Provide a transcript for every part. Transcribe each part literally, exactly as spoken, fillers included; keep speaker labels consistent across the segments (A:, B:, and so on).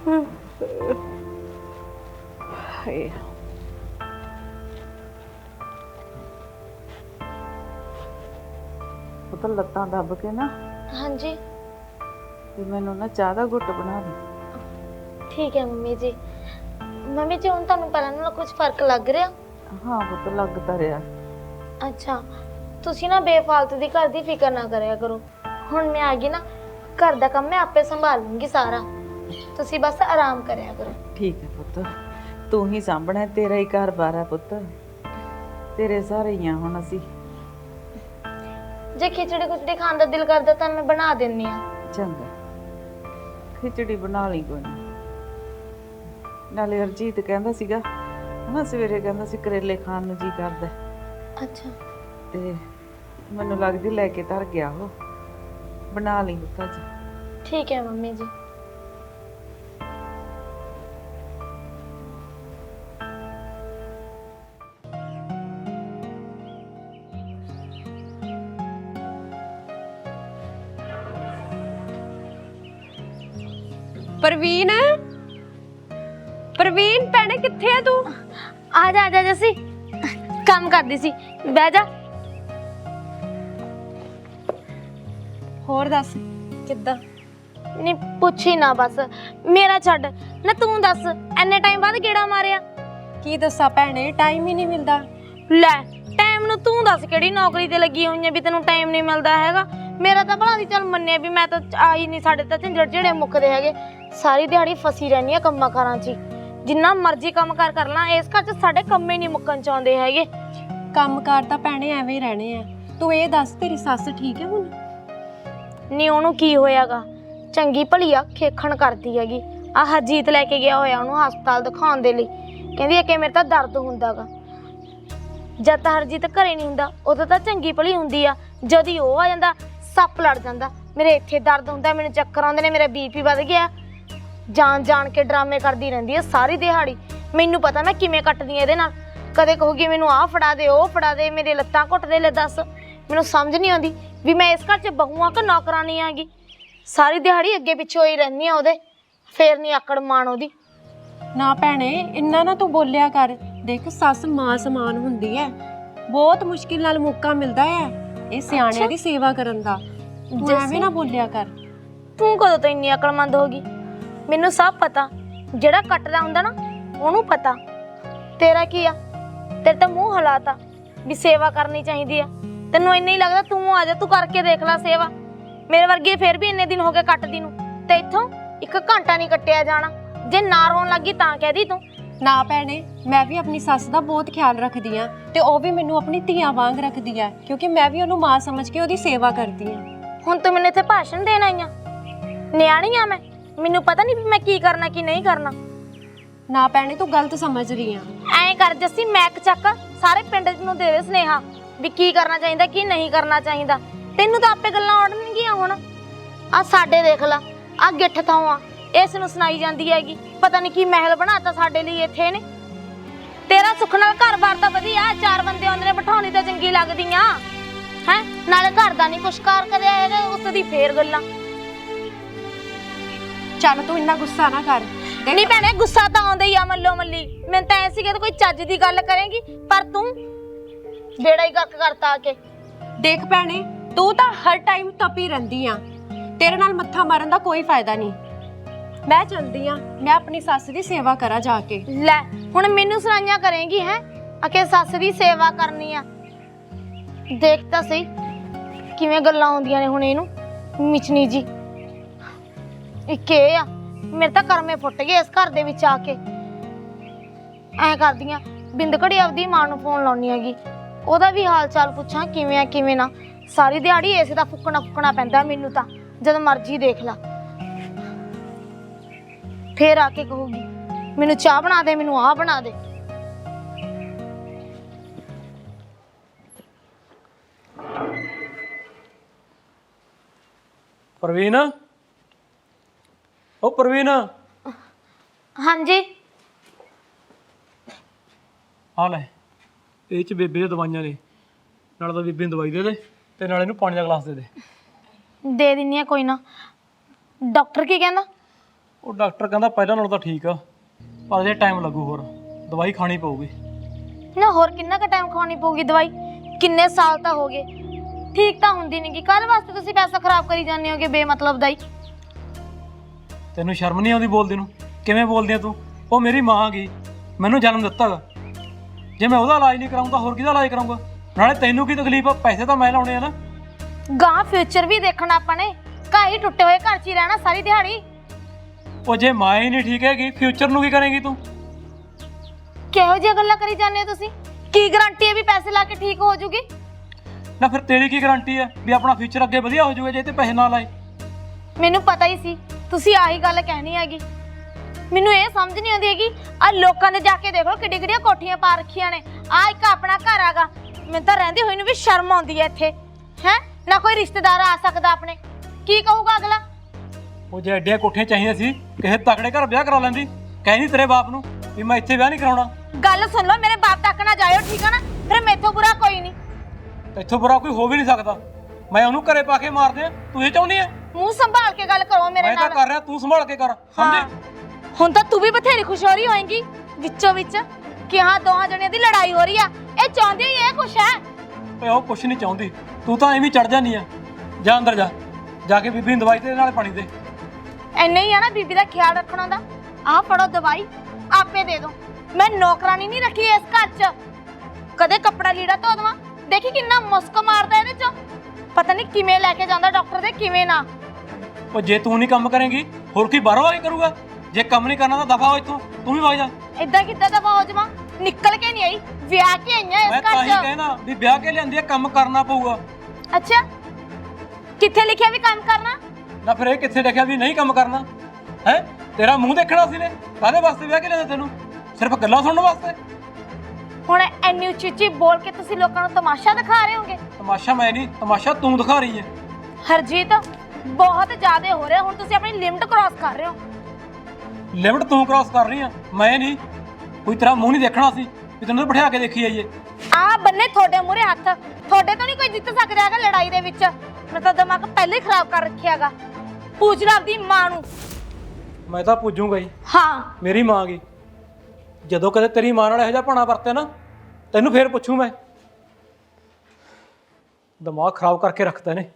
A: ਹਾਏ ਉਹ ਤਾਂ ਲੱਤਾਂ ਦੱਬ ਕੇ ਨਾ
B: हाँ जी
A: ਤੇ ਮੈਨੂੰ ਨਾ ਚਾਹ ਦਾ ਘੁੱਟ ਬਣਾ ਦੇ।
B: ठीक है मम्मी जी। मम्मी जी ਹੁਣ ਤੁਹਾਨੂੰ ਪਹਿਲਾਂ ਨਾਲੋਂ ਕੁਝ ਫਰਕ ਲੱਗ ਰਿਹਾ?
A: ਹਾਂ ਪੁੱਤ ਲੱਗਦਾ ਰਿਹਾ।
B: ਅੱਛਾ ਤੁਸੀਂ ਨਾ ਬੇਫਾਲਤੂ ਦੀ ਘਰ ਦੀ ਫਿਕਰ ਨਾ ਕਰਿਆ ਕਰੋ। ਹੁਣ ਮੈਂ ਆ ਗਈ ਨਾ, ਘਰ ਦਾ ਕੰਮ ਮੈਂ ਆਪੇ ਸੰਭਾਲ ਲੂੰਗੀ ਸਾਰਾ। ਤੁਸੀਂ ਬਸ ਆਰਾਮ ਕਰਿਆ ਕਰੋ।
A: ਠੀਕ ਹੈ ਪੁੱਤ, ਤੂੰ ਹੀ ਸਾਂਭਣਾ, ਤੇਰਾ ਹੀ ਘਰ-ਬਾਰ ਹੈ ਪੁੱਤ, ਤੇਰੇ ਸਾਰੇ ਹੀ ਆ ਹੁਣ ਅਸੀਂ।
B: ਜੇ ਖਿਚੜੀ ਖੁਚੜੀ ਖਾਣ ਦਾ ਦਿਲ ਕਰਦਾ ਤਾਂ ਮੈਂ ਬਣਾ ਦਿੰਨੀ ਆ।
A: ਚੰਗਾ ਖਿਚੜੀ ਬਣਾ ਲਈ ਕੋਈ ਨਾ। ਨਾਲੇ ਹਰਜੀਤ ਕਹਿੰਦਾ ਸੀਗਾ ਹਨਾ, ਸਵੇਰੇ ਕਹਿੰਦਾ ਸੀ ਕਰੇਲੇ ਖਾਣ ਨੂੰ ਜੀ ਕਰਦਾ।
B: ਅੱਛਾ
A: ਤੇ ਮੈਨੂੰ ਲੱਗਦੀ ਲੈ ਕੇ ਧਰ ਗਿਆ ਉਹ। ਬਣਾ ਲਈ ਪੁੱਤ ਅੱਜ।
B: ठीक है मम्मी जी।
C: ਪ੍ਰਵੀਨ ਪ੍ਰਵੀਨ ਭੈਣੇ ਕਿੱਥੇ ਆ ਤੂੰ?
B: ਆ ਜਾ ਆ ਜਾ ਜੱਸੀ, ਕੰਮ ਕਰਦੀ ਸੀ, ਬਹਿ ਜਾ।
C: ਹੋਰ ਦੱਸ ਕਿੱਦਾਂ?
B: ਨਹੀਂ ਪੁੱਛੀ ਨਾ ਬਸ, ਮੇਰਾ ਛੱਡ ਨਾ, ਤੂੰ ਦੱਸ ਐਨੇ ਟਾਈਮ ਬਾਅਦ ਗੇੜਾ ਮਾਰਿਆ?
C: ਕੀ ਦੱਸਾਂ ਭੈਣੇ, ਟਾਈਮ ਹੀ ਨਹੀਂ ਮਿਲਦਾ।
B: ਲੈ ਟਾਈਮ ਨੂੰ ਤੂੰ ਦੱਸ ਕਿਹੜੀ ਨੌਕਰੀ ਤੇ ਲੱਗੀ ਹੋਈ ਹੈ ਵੀ ਤੈਨੂੰ ਟਾਈਮ ਨਹੀਂ ਮਿਲਦਾ ਹੈਗਾ? ਮੇਰਾ ਤਾਂ ਭਲਾ ਦੀ ਚੱਲ ਮੰਨਿਆ ਵੀ ਮੈਂ ਤਾਂ ਆਈ ਨਹੀਂ, ਸਾਡੇ ਤਾਂ ਝੰਜੜ ਜਿਹੜੇ ਮੁੱਕਦੇ ਹੈਗੇ। ਸਾਰੀ ਦਿਹਾੜੀ ਫਸੀ ਰਹਿੰਦੀ ਆ ਕੰਮਾਂ ਕਾਰਾਂ 'ਚ, ਜਿੰਨਾ ਮਰਜ਼ੀ ਕੰਮ ਕਾਰ ਕਰ ਲਾਂ, ਇਸ ਘਰ 'ਚ ਸਾਡੇ ਕੰਮ ਹੀ ਨਹੀਂ ਮੁੱਕਣ ਚਾਹੁੰਦੇ ਹੈਗੇ।
C: ਕੰਮਕਾਰ ਤਾਂ ਭੈਣੇ ਐਵੇਂ ਹੀ ਰਹਿਣੇ ਆ। ਤੂੰ ਇਹ ਦੱਸ ਤੇਰੀ ਸੱਸ ਠੀਕ ਹੈ ਹੁਣ?
B: ਨਹੀਂ ਉਹਨੂੰ ਕੀ ਹੋਇਆਗਾ, ਚੰਗੀ ਭਲੀ ਆ, ਖੇਖਣ ਕਰਦੀ ਹੈਗੀ। ਆਹ ਹਰਜੀਤ ਲੈ ਕੇ ਗਿਆ ਹੋਇਆ ਉਹਨੂੰ ਹਸਪਤਾਲ ਦਿਖਾਉਣ ਦੇ ਲਈ, ਕਹਿੰਦੀ ਹੈ ਕਿ ਮੇਰੇ ਤਾਂ ਦਰਦ ਹੁੰਦਾਗਾ। ਜਦ ਤਾਂ ਹਰਜੀਤ ਘਰੇ ਨਹੀਂ ਹੁੰਦਾ ਉਦੋਂ ਤਾਂ ਚੰਗੀ ਭਲੀ ਹੁੰਦੀ ਆ, ਜਦ ਹੀ ਉਹ ਆ ਜਾਂਦਾ ਸੱਪ ਲੜ ਜਾਂਦਾ। ਮੇਰੇ ਇੱਥੇ ਦਰਦ ਹੁੰਦਾ, ਮੈਨੂੰ ਚੱਕਰ ਆਉਂਦੇ ਨੇ, ਮੇਰਾ ਬੀਪੀ ਵੱਧ ਗਿਆ। ਜਾਣ ਜਾਣ ਕੇ ਡਰਾਮੇ ਕਰਦੀ ਰਹਿੰਦੀ ਹੈ ਸਾਰੀ ਦਿਹਾੜੀ। ਮੈਨੂੰ ਪਤਾ ਮੈਂ ਕਿਵੇਂ ਕੱਟਦੀ ਹਾਂ ਇਹਦੇ ਨਾਲ। ਕਦੇ ਕਹੂਗੀ ਮੈਨੂੰ ਆਹ ਫੜਾ ਦੇ, ਉਹ ਫੜਾ ਦੇ, ਮੇਰੇ ਲੱਤਾਂ ਘੁੱਟ ਦੇ। ਲੈ ਦੱਸ, ਮੈਨੂੰ ਸਮਝ ਨਹੀਂ ਆਉਂਦੀ ਵੀ ਮੈਂ ਇਸ ਘਰ 'ਚ ਬਹੂ ਆ ਕਿ ਨੌਕਰਾਨੀ ਆਂਗੀ। ਸਾਰੀ ਦਿਹਾੜੀ ਅੱਗੇ ਪਿੱਛੇ ਹੋਈ ਰਹਿੰਦੀ ਆ ਉਹਦੇ, ਫੇਰ ਨਹੀਂ ਆਕੜ ਮਾਣ ਉਹਦੀ।
C: ਨਾ ਭੈਣੇ ਇੰਨਾ ਨਾ ਤੂੰ ਬੋਲਿਆ ਕਰ। ਦੇਖ ਸੱਸ ਮਾਂ ਸਮਾਨ ਹੁੰਦੀ ਹੈ, ਬਹੁਤ ਮੁਸ਼ਕਿਲ ਨਾਲ ਮੌਕਾ ਮਿਲਦਾ ਹੈ ਇਹ ਸਿਆਣਿਆਂ ਦੀ ਸੇਵਾ ਕਰਨ ਦਾ। ਤੂੰ ਐਵੇਂ ਨਾ ਬੋਲਿਆ ਕਰ।
B: ਤੂੰ ਕਦੋਂ ਤੋਂ ਇੰਨੀ ਅਕਲਮੰਦ ਹੋ ਗਈ? ਮੈਨੂੰ ਸਭ ਪਤਾ, ਜਿਹੜਾ ਕੱਟਦਾ ਹੁੰਦਾ ਨਾ ਉਹਨੂੰ ਪਤਾ। ਤੇਰਾ ਕੀ ਆ, ਤੇਰੇ ਤਾਂ ਮੂੰਹ ਹਲਾਤਾ ਵੀ ਸੇਵਾ ਕਰਨੀ ਚਾਹੀਦੀ ਆ। ਤੈਨੂੰ ਇੰਨਾ ਹੀ ਲੱਗਦਾ, ਤੂੰ ਆ ਜਾ, ਤੂੰ ਕਰਕੇ ਦੇਖ ਲੈ ਸੇਵਾ। ਮੇਰੇ ਵਰਗੀ ਫੇਰ ਵੀ ਇੰਨੇ ਦਿਨ ਹੋ ਗਏ ਕੱਟਦੀ ਨੂੰ, ਤੇ ਇੱਥੋਂ ਇੱਕ ਘੰਟਾ ਨਹੀਂ ਕੱਟਿਆ ਜਾਣਾ। ਜੇ ਨਾ ਰੋਣ ਲੱਗੀ ਤਾਂ ਕਹਿਦੀ ਤੂੰ।
C: ਨਾ ਭੈਣੇ ਮੈਂ ਵੀ ਆਪਣੀ ਸੱਸ ਦਾ ਬਹੁਤ ਖਿਆਲ ਰੱਖਦੀ ਆ, ਤੇ ਉਹ ਵੀ ਮੈਨੂੰ ਆਪਣੀ ਧੀਆਂ ਵਾਂਗ ਰੱਖਦੀ ਆ, ਕਿਉਂਕਿ ਮੈਂ ਵੀ ਉਹਨੂੰ ਮਾਂ ਸਮਝ ਕੇ ਉਹਦੀ ਸੇਵਾ ਕਰਦੀ ਆ।
B: ਹੁਣ ਤੂੰ ਮੈਨੂੰ ਇੱਥੇ ਭਾਸ਼ਣ ਦੇਣ ਆਈ ਆ? ਨਿਆਣੀ ਆ ਮੈਂ, ਮੈਨੂੰ ਪਤਾ ਨਹੀਂ ਵੀ ਮੈਂ ਕੀ ਕਰਨਾ ਕੀ ਨਹੀਂ ਕਰਨਾ।
C: ਨਾ ਭੈਣੇ ਤੂੰ ਗਲਤ ਸਮਝ ਰਹੀ ਆ।
B: ਐਂ ਕਰ ਜੱਸੀ, ਮੈਕ ਚੱਕ, ਸਾਰੇ ਪਿੰਡ ਨੂੰ ਦੇ ਦੇ ਸੁਨੇਹਾ ਵੀ ਕੀ ਕਰਨਾ ਚਾਹੀਦਾ ਕੀ ਨਹੀਂ ਕਰਨਾ ਚਾਹੀਦਾ। ਤੈਨੂੰ ਤਾਂ ਆਪੇ ਗੱਲਾਂ ਆਉਣਗੀਆਂ। ਹੁਣ ਆ ਸਾਡੇ ਦੇਖ ਲਾ, ਆ ਗਿੱਠ ਥਾਂ ਆ, ਇਸ ਨੂੰ ਸੁਣਾਈ ਜਾਂਦੀ ਹੈਗੀ ਪਤਾ ਨਹੀਂ ਕੀ ਮਹਿਲ ਬਣਾਤਾ ਸਾਡੇ ਲਈ ਇੱਥੇ ਨੇ। ਤੇਰਾ ਸੁੱਖ ਨਾਲ ਘਰ-ਬਾਰ ਤਾਂ ਵਧੀਆ, ਚਾਰ ਬੰਦੇ ਆਉਂਦੇ ਨੇ, ਬਿਠਾਉਣੀ ਤਾਂ ਚੰਗੀ ਲੱਗਦੀਆਂ ਹੈ। ਨਾਲੇ ਘਰ ਦਾ ਨਹੀਂ ਕੁਛ ਕਾਰ ਕਰਿਆ ਹੈਗਾ, ਉਸ ਦੀ ਫੇਰ ਗੱਲਾਂ।
C: ਚੱਲ ਤੂੰ ਇੰਨਾ ਗੁੱਸਾ ਨਾ ਕਰ।
B: ਨਹੀਂ ਭੈਣੇ ਗੁੱਸਾ ਤਾਂ ਆਉਂਦਾ ਹੀ ਆ ਮੱਲੋ ਮੱਲੀ। ਮੈਨੂੰ ਤਾਂ ਐ ਸੀਗਾ ਕੋਈ ਚੱਜ ਦੀ ਗੱਲ ਕਰੇਗੀ, ਪਰ ਤੂੰ ਬੇੜਾ ਹੀ ਗਰਕ ਕਰਤਾ ਆ ਕੇ।
C: ਦੇਖ ਭੈਣੇ ਤੂੰ ਤਾਂ ਹਰ ਟਾਈਮ ਤਪੀ ਰਹਿੰਦੀ ਆ, ਤੇਰੇ ਨਾਲ ਮੱਥਾ ਮਾਰਨ ਦਾ ਕੋਈ ਫਾਇਦਾ ਨਹੀਂ। ਮੈਂ ਚਲਦੀ ਆ, ਮੈਂ ਆਪਣੀ ਸੱਸ ਦੀ ਸੇਵਾ ਕਰਾਂ ਜਾ ਕੇ।
B: ਲੈ ਹੁਣ ਮੈਨੂੰ ਸੁਣਾਈਆਂ ਕਰੇਂਗੀ ਹੈ ਅਕੇ ਸੱਸ ਦੀ ਸੇਵਾ ਕਰਨੀ ਆ? ਦੇਖ ਤਾਂ ਸਹੀ ਕਿਵੇਂ ਗੱਲਾਂ ਆਉਂਦੀਆਂ ਨੇ ਹੁਣ ਇਹਨੂੰ, ਮਿਚਨੀ ਜੀ। ਇੱਕ ਇਹ ਆ, ਮੇਰੇ ਤਾਂ ਕਰਮੇ ਫੁੱਟ ਗਏ ਇਸ ਘਰ ਦੇ ਵਿੱਚ ਆ ਕੇ। ਐਂ ਕਰਦੀਆਂ ਬਿੰਦ ਘੜੀ ਆਪਦੀ ਮਾਂ ਨੂੰ ਫੋਨ ਲਾਉਣੀ ਹੈਗੀ, ਉਹਦਾ ਵੀ ਹਾਲ ਚਾਲ ਪੁੱਛਾਂ ਕਿਵੇਂ ਆ ਕਿਵੇਂ ਨਾ। ਸਾਰੀ ਦਿਹਾੜੀ ਇਸੇ ਦਾ ਫੁੱਕਣਾ ਫੁੱਕਣਾ ਪੈਂਦਾ ਮੈਨੂੰ ਤਾਂ, ਜਦ ਮਰਜ਼ੀ ਦੇਖ ਲਾ। ਫੇਰ ਆ ਕੇ ਕਹੂਗੀ ਮੈਨੂੰ ਚਾਹ ਬਣਾ ਦੇ, ਮੈਨੂੰ ਆਹ ਬਣਾ ਦੇ।
D: ਪ੍ਰਵੀਨ, ਉਹ ਪ੍ਰਵੀਨ।
B: ਹਾਂਜੀ
D: ਆ ਲੈ, ਇਹ ਚ ਬੇਬੇ ਦੀਆਂ ਦਵਾਈਆਂ ਨੇ, ਨਾਲ ਤਾਂ ਬੇਬੇ ਨੂੰ ਦਵਾਈ ਦੇ ਦੇ ਤੇ ਨਾਲ ਇਹਨੂੰ ਪਾਣੀ ਦਾ ਗਲਾਸ ਦੇ ਦੇ।
B: ਦੇ ਦਿੰਨੀ ਆ ਕੋਈ ਨਾ। ਡਾਕਟਰ ਕੀ ਕਹਿੰਦਾ?
D: ਉਹ ਡਾਕਟਰ ਕਹਿੰਦਾ ਪਹਿਲਾਂ ਨਾਲੋਂ ਤਾਂ ਠੀਕ ਆ, ਪਰ ਜੇ ਟਾਈਮ ਲੱਗੂ, ਹੋਰ ਦਵਾਈ ਖਾਣੀ ਪਊਗੀ।
B: ਨਾ ਹੋਰ ਕਿੰਨਾ ਕੁ ਟਾਈਮ ਖਾਣੀ ਪਊਗੀ ਦਵਾਈ? ਕਿੰਨੇ ਸਾਲ ਤਾਂ ਹੋ ਗਏ, ਠੀਕ ਤਾਂ ਹੁੰਦੀ ਨਹੀਂ ਗੀ। ਕਾਹਦੇ ਵਾਸਤੇ ਤੁਸੀਂ ਪੈਸਾ ਖਰਾਬ ਕਰੀ ਜਾਂਦੇ ਹੋਗੇ ਬੇਮਤਲਬ ਦਾ ਹੀ?
D: ਤੈਨੂੰ ਸ਼ਰਮ ਨਹੀਂ ਆਉਂਦੀ ਬੋਲਦੀ ਨੂੰ? ਕਿਵੇਂ ਬੋਲਦੀ ਆ ਤੂੰ? ਉਹ ਮੇਰੀ ਮਾਂ ਗਈ, ਮੈਨੂੰ ਜਨਮ ਦਿੱਤਾ ਗਾ। ਜੇ ਮੈਂ ਉਹਦਾ ਇਲਾਜ ਨਹੀਂ ਕਰਾਉਂਦਾ ਹੋਰ ਕਿਹਦਾ ਇਲਾਜ ਕਰਾਉਂਗਾ? ਨਾਲੇ ਤੈਨੂੰ ਕੀ ਤਕਲੀਫ ਆ? ਪੈਸੇ ਤਾਂ ਮੈਂ ਲਾਉਣੇ ਆ ਨਾ।
B: ਗਾਂ ਫਿਊਚਰ ਵੀ ਦੇਖਣਾ ਆਪਾਂ ਨੇ, ਘਰ ਹੀ ਟੁੱਟੇ ਹੋਏ ਘਰ 'ਚ ਹੀ ਰਹਿਣਾ ਸਾਰੀ ਦਿਹਾੜੀ।
D: ਉਹ ਜੇ ਮਾਂ ਹੀ ਨਹੀਂ ਠੀਕ ਹੈਗੀ, ਫਿਊਚਰ ਨੂੰ ਕੀ ਕਰੇਂਗੀ ਤੂੰ?
B: ਕਿਹੋ ਜਿਹੀਆਂ ਗੱਲਾਂ ਕਰੀ ਜਾਂਦੇ ਹੋ ਤੁਸੀਂ? ਕੀ ਗਾਰੰਟੀ ਹੈ ਵੀ ਪੈਸੇ ਲਾ ਕੇ ਠੀਕ ਹੋ ਜੂਗੀ?
D: ਨਾ ਫਿਰ ਤੇਰੀ ਕੀ ਗਾਰੰਟੀ ਆ ਵੀ ਆਪਣਾ ਫਿਊਚਰ ਅੱਗੇ ਵਧੀਆ ਹੋ ਜਾਊਗਾ ਜੇ ਤੇ ਪੈਸੇ ਨਾ ਲਾਏ?
B: ਮੈਨੂੰ ਪਤਾ ਹੀ ਸੀ ਤੁਸੀਂ ਆਹੀ ਗੱਲ ਕਹਿਣੀ ਹੈਗੀ। ਮੈਨੂੰ ਇਹ ਸਮਝ ਨਹੀਂ ਆਉਂਦੀ ਹੈਗੀ, ਆ ਲੋਕਾਂ ਦੇ ਜਾ ਕੇ ਦੇਖ ਲਓ ਕਿੱਡੀ ਕਿੱਡੀਆਂ ਕੋਠੀਆਂ ਪਾ ਰੱਖੀਆਂ ਨੇ। ਆ ਇੱਕ ਆਪਣਾ ਘਰ ਆਗਾ, ਮੈਨੂੰ ਤਾਂ ਰਹਿੰਦੀ ਹੋਈ ਨੂੰ ਵੀ ਸ਼ਰਮ ਆਉਂਦੀ ਹੈ ਇੱਥੇ। ਹੈ ਨਾ ਕੋਈ ਰਿਸ਼ਤੇਦਾਰ ਆ ਸਕਦਾ ਆਪਣੇ, ਕੀ ਕਹੂਗਾ ਅਗਲਾ?
D: ਉਹ ਜੇ ਐਡੀਆਂ ਕੋਠੀਆਂ ਚਾਹੀਦੀਆਂ ਸੀ ਕਿਸੇ ਤਕੜੇ ਘਰ ਵਿਆਹ ਕਰਾ ਲੈਂਦੀ। ਕਹਿੰਦੀ ਤੇਰੇ ਬਾਪ ਨੂੰ ਵੀ ਮੈਂ ਇੱਥੇ ਵਿਆਹ ਨਹੀਂ ਕਰਾਉਣਾ।
B: ਗੱਲ ਸੁਣ ਲਓ, ਮੇਰੇ ਬਾਪ ਤੱਕ ਨਾ ਜਾਇਓ, ਠੀਕ ਆ ਨਾ? ਫਿਰ ਮੈਥੋਂ ਬੁਰਾ ਕੋਈ ਨਹੀਂ।
D: ਇੱਥੋਂ ਬੁਰਾ ਕੋਈ ਹੋ ਵੀ ਨਹੀਂ ਸਕਦਾ। ਮੈਂ ਉਹਨੂੰ ਘਰੇ ਪਾ ਕੇ ਮਾਰ ਦਿਆਂ, ਤੂੰ ਇਹ ਚਾਹੁੰਦੀ ਆ?
B: ਮੂੰਹ ਸੰਭਾਲ ਕੇ ਗੱਲ ਕਰੋ ਮੇਰੇ
D: ਮੈਂ ਤਾਂ
B: ਨਾਲ।
D: ਕਰ ਰਿਹਾ, ਤੂੰ ਸੰਭਾਲ ਕੇ ਕਰ, ਸਮਝੇ?
B: ਹੁਣ ਤਾਂ ਤੂੰ ਵੀ ਬਥੇਰੀ ਖੁਸ਼ ਹੋ ਰਹੀ ਹੋਏਗੀ ਵਿੱਚੋਂ ਵਿੱਚ ਕਿ ਹਾਂ ਦੋਹਾਂ ਜਣਿਆਂ ਦੀ ਲੜਾਈ ਹੋ ਰਹੀ ਆ। ਇਹ ਚਾਹੁੰਦੀ ਹੀ ਇਹ ਕੁਛ ਹੈ।
D: ਓਏ ਉਹ ਕੁਛ ਨਹੀਂ ਚਾਹੁੰਦੀ, ਤੂੰ ਤਾਂ ਐਵੇਂ ਚੜ ਜਾਂਦੀ ਆ। ਜਾ ਅੰਦਰ ਜਾ, ਜਾ ਕੇ ਬੀਬੀ ਨੂੰ ਦਵਾਈ ਤੇ ਨਾਲੇ ਪਾਣੀ ਦੇ।
B: ਐਨਾ ਹੀ ਆ ਨਾ ਬੀਬੀ ਦਾ ਖਿਆਲ ਰੱਖਣਾ ਦਾ। ਆਹ ਫੜੋ ਦਵਾਈ, ਆਪੇ ਦੇ ਦੋ। ਮੈਂ ਨੌਕਰਾਨੀ ਨਹੀਂ ਰੱਖੀ ਇਸ ਘਰ 'ਚ। ਕਦੇ ਕੱਪੜਾ ਲੀੜਾ ਧੋ ਦਵਾਂ? ਦੇਖੀ ਕਿੰਨਾ ਮੁਸਕ ਮਾਰਦਾ ਇਹਦੇ 'ਚ। ਪਤਾ ਨਹੀਂ ਕਿਵੇਂ ਲੈ ਕੇ ਜਾਂਦਾ ਡਾਕਟਰ ਦੇ, ਕਿਵੇਂ ਨਾ।
D: ਉਹ ਜੇ ਤੂੰ ਨਹੀਂ ਕੰਮ ਕਰੇਂਗੀ ਹੋਰ ਕੀ ਬਾਹਰੋਂ ਆ ਕੇ ਕਰੂਗਾ? ਜੇ ਕੰਮ ਨਹੀਂ ਕਰਨਾ ਤਾਂ ਦਫਾ ਹੋ ਇੱਥੋਂ, ਤੂੰ ਵੀ ਵਗ ਜਾ।
B: ਇਦਾਂ ਕਿੱਦਾਂ ਦਫਾ ਹੋ ਜਾਵਾਂ? ਨਿਕਲ ਕੇ ਨਹੀਂ ਆਈ, ਵਿਆਹ ਕੇ ਆਈਆਂ ਇਸ
D: ਮੈਂ ਤਾਂ
B: ਘਰ
D: ਹੀ
B: 'ਚ।
D: ਕਹਿਣਾ ਵੀ ਵਿਆਹ ਕੇ ਲਿਆਂਦੀ ਆ, ਕੰਮ ਕਰਨਾ ਪਊਗਾ।
B: ਅੱਛਾ, ਕਿੱਥੇ ਲਿਖਿਆ ਵੀ ਕੰਮ ਕਰਨਾ?
D: ਨਾ ਫਿਰ ਇਹ ਕਿੱਥੇ ਲਿਖਿਆ ਵੀ ਨਹੀਂ ਕੰਮ ਕਰਨਾ? ਹੈ ਤੇਰਾ ਮੂੰਹ ਦੇਖਣਾ ਸੀ ਨੇ? ਕਾਹਦੇ ਵਾਸਤੇ ਵਿਆਹ ਕੇ ਲਿਆਂਦਾ ਤੈਨੂੰ? ਸਿਰਫ ਗੱਲਾਂ ਸੁਣਨ ਵਾਸਤੇ?
B: ਹੁਣ ਐਨੀ ਉੱਚੀ ਉੱਚੀ ਬੋਲ ਕੇ ਤੁਸੀਂ ਲੋਕਾਂ ਨੂੰ ਤਮਾਸ਼ਾ ਦਿਖਾ ਰਹੇ ਹੋਗੇ।
D: ਤਮਾਸ਼ਾ ਮੈਂ ਨਹੀਂ, ਤਮਾਸ਼ਾ ਤੂੰ ਦਿਖਾ ਰਹੀ ਹੈ।
B: ਹਰਜੀਤ, ਬਹੁਤ ਜ਼ਿਆਦਾ ਹੋ ਰਿਹਾ। ਹੁਣ ਤੁਸੀਂ ਆਪਣੀ ਲਿਮਟ ਕ੍ਰਾਸ ਕਰ ਰਹੇ ਹੋ।
D: ਲਿਮਟ ਤੂੰ ਕ੍ਰਾਸ ਕਰ ਰਹੀ ਆ, ਮੈਂ ਨਹੀਂ। ਕੋਈ ਤੇਰਾ ਮੂੰਹ ਨਹੀਂ ਦੇਖਣਾ ਸੀ ਵੀ ਤੈਨੂੰ ਬਿਠਾ ਕੇ ਦੇਖੀ ਜਾਈਏ।
B: ਆਹ ਬੰਨੇ ਤੁਹਾਡੇ ਮੂਹਰੇ ਹੱਥ, ਤੁਹਾਡੇ ਤੋਂ ਨਹੀਂ ਕੋਈ ਜਿੱਤ ਸਕਦਾ ਹੈਗਾ ਲੜਾਈ ਦੇ ਵਿੱਚ। ਮੈਂ ਤਾਂ ਦਿਮਾਗ ਪਹਿਲੇ ਹੀ ਖਰਾਬ ਕਰ ਰੱਖਿਆਗਾ। ਪੁੱਛ ਲੈ ਆਪਦੀ ਮਾਂ ਨੂੰ।
D: ਮੈਂ ਤਾਂ ਪੁੱਜੂਗਾ ਹੀ।
B: ਹਾਂ,
D: ਮੇਰੀ ਮਾਂ ਗਈ। ਜਦੋਂ ਕਦੇ ਤੇਰੀ ਮਾਂ ਨਾਲ ਇਹੋ ਜਿਹਾ ਭਾਣਾ ਵਰਤਿਆ ਨਾ, ਤੈਨੂੰ ਫੇਰ ਪੁੱਛੂ ਮੈਂ। ਦਿਮਾਗ ਖਰਾਬ ਕਰਕੇ ਰੱਖਦੇ ਨੇ।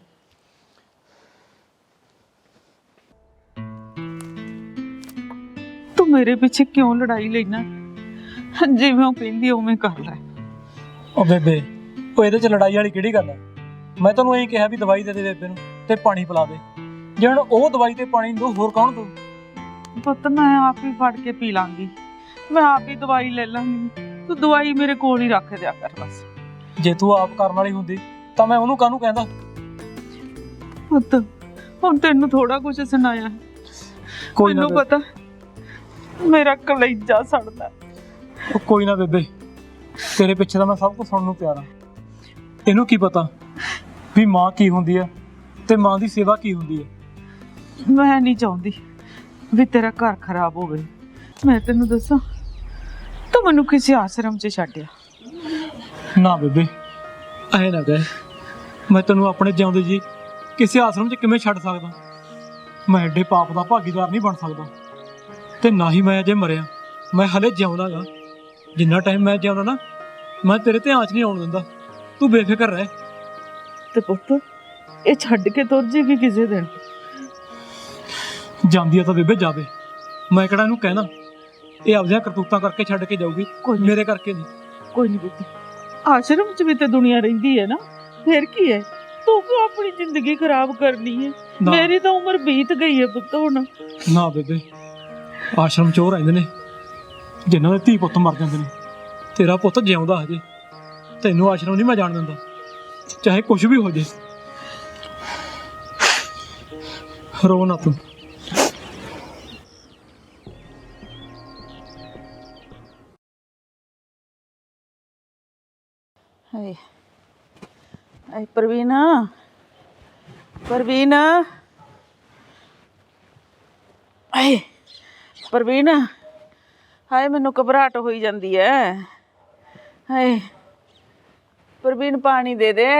A: ਤੂੰ ਮੇਰੇ ਪਿੱਛੇ ਕਿਉਂ ਲੜਾਈ ਲੈਣਾ? ਜਿਵੇਂ ਉਹ ਕਹਿੰਦੀ ਉਵੇਂ ਕਰ ਲੈ।
D: ਉਹ ਬੇਬੇ, ਉਹ ਇਹਦੇ 'ਚ ਲੜਾਈ ਵਾਲੀ ਕਿਹੜੀ ਗੱਲ ਹੈ? ਮੈਂ ਤੈਨੂੰ ਇਹੀ ਕਿਹਾ ਵੀ ਦਵਾਈ ਦੇ ਦੇ ਬੇਬੇ ਨੂੰ ਤੇ ਪਾਣੀ ਪਿਲਾ ਦੇ। ਜੇ ਹੁਣ ਉਹ ਦਵਾਈ ਤੇ ਪਾਣੀ ਦੂ, ਹੋਰ ਕੌਣ ਦੂ?
A: ਪੁੱਤ ਮੈਂ ਆਪ ਹੀ ਫੜ ਕੇ ਪੀ ਲਾਂਗੀ, ਮੈਂ ਆਪ ਹੀ ਦਵਾਈ ਲੈ ਲਾਂਗੀ। ਤੂੰ ਦਵਾਈ ਮੇਰੇ ਕੋਲ ਹੀ ਰੱਖ ਦਿਆ ਕਰ ਬਸ।
D: ਜੇ ਤੂੰ ਆਪ ਕਰਨ ਵਾਲੀ ਹੁੰਦੀ ਤਾਂ ਮੈਂ ਉਹਨੂੰ ਕਾਹਨੂੰ ਕਹਿੰਦਾ?
A: ਪੁੱਤ ਹੁਣ ਤੈਨੂੰ ਥੋੜਾ ਕੁਝ ਸੁਣਾਇਆ,
D: ਕੋਈ ਨਾ
A: ਮੈਨੂੰ ਪਤਾ ਮੇਰਾ ਕਲੇਜਾ ਸੜਦਾ।
D: ਉਹ ਕੋਈ ਨਾ ਬੇਬੇ, ਤੇਰੇ ਪਿੱਛੇ ਤਾਂ ਮੈਂ ਸਭ ਕੁਝ ਸੁਣਨ ਨੂੰ ਤਿਆਰ ਹਾਂ। ਇਹਨੂੰ ਕੀ ਪਤਾ ਵੀ ਮਾਂ ਕੀ ਹੁੰਦੀ ਹੈ ਤੇ ਮਾਂ ਦੀ ਸੇਵਾ ਕੀ ਹੁੰਦੀ ਹੈ।
A: ਮੈਂ ਨਹੀਂ ਚਾਹੁੰਦੀ ਵੀ ਤੇਰਾ ਘਰ ਖਰਾਬ ਹੋਵੇ। ਮੈਂ ਤੈਨੂੰ ਦੱਸਾਂ, ਤੂੰ ਮੈਨੂੰ ਕਿਸੇ ਆਸ਼ਰਮ 'ਚ ਛੱਡਿਆ।
D: ਨਾ ਬੇਬੇ, ਐ ਨਾ ਕਹਿ। ਮੈਂ ਤੈਨੂੰ ਆਪਣੇ ਜਿਉਂਦੇ ਜੀ ਕਿਸੇ ਆਸ਼ਰਮ 'ਚ ਕਿਵੇਂ ਛੱਡ ਸਕਦਾ? ਮੈਂ ਐਡੇ ਪਾਪ ਦਾ ਭਾਗੀਦਾਰ ਨਹੀਂ ਬਣ ਸਕਦਾ, ਤੇ ਨਾ ਹੀ ਮੈਂ ਅਜੇ ਮਰਿਆ। ਮੈਂ ਹਲੇ ਜਿਉਂਦਾ ਗਾ। ਜਿੰਨਾ ਟਾਈਮ ਮੈਂ ਜਿਉਂਦਾ ਨਾ, ਮੈਂ ਤੇਰੇ ਧਿਆਨ 'ਚ ਨਹੀਂ ਆਉਣ ਦਿੰਦਾ। ਤੂੰ ਬੇਫਿਕਰ ਰਹਿ।
A: ਤੇ ਪੁੱਤ ਇਹ ਛੱਡ ਕੇ ਤੁਰ ਜੇਗੀ ਕਿਸੇ ਦਿਨ।
D: ਜਾਂਦੀ ਆ ਤਾਂ ਬੇਬੇ ਜਾਵੇ, ਮੈਂ ਕਿਹੜਾ ਇਹਨੂੰ ਕਹਿਣਾ। ਇਹ ਆਪਦੀਆਂ ਕਰਤੂਤਾਂ ਕਰਕੇ ਛੱਡ ਕੇ ਜਾਊਗੀ,
A: ਕੋਈ ਨੀ।
D: ਮੇਰੇ ਕਰਕੇ ਨਹੀਂ।
A: ਕੋਈ ਨਹੀਂ ਪੁੱਤ, ਆਸ਼ਰਮ 'ਚ ਵੀ ਤੇ ਦੁਨੀਆ ਰਹਿੰਦੀ ਹੈ ਨਾ, ਫਿਰ ਕੀ ਹੈ? ਤੂੰ ਕਿਉਂ ਆਪਣੀ ਜ਼ਿੰਦਗੀ ਖਰਾਬ ਕਰਨੀ ਹੈ?
D: ਨਾ।
A: ਮੇਰੀ ਤਾਂ ਉਮਰ ਬੀਤ ਗਈ ਹੈ ਪੁੱਤ ਹੁਣ।
D: ਨਾ ਬੇਬੇ, ਆਸ਼ਰਮ 'ਚ ਉਹ ਰਹਿੰਦੇ ਨੇ ਜਿਨ੍ਹਾਂ ਦੇ ਧੀ ਪੁੱਤ ਮਰ ਜਾਂਦੇ ਨੇ। ਤੇਰਾ ਪੁੱਤ ਜਿਉਂਦਾ ਹਜੇ, ਤੈਨੂੰ ਆਸ਼ਰਮ ਨਹੀਂ ਮੈਂ ਜਾਣ ਦਿੰਦਾ, ਚਾਹੇ ਕੁਝ ਵੀ ਹੋ ਜੇ। ਰੋ ਨਾ ਤੂੰ।
A: ਹਾਏ ਹਾਏ ਪ੍ਰਵੀਨ, ਪ੍ਰਵੀਨ, ਹਾਏ ਪ੍ਰਵੀਨ, ਹਾਏ ਮੈਨੂੰ ਘਬਰਾਹਟ ਹੋਈ ਜਾਂਦੀ ਹੈ। ਹਾਏ ਪ੍ਰਵੀਨ, ਪਾਣੀ ਦੇ ਦੇ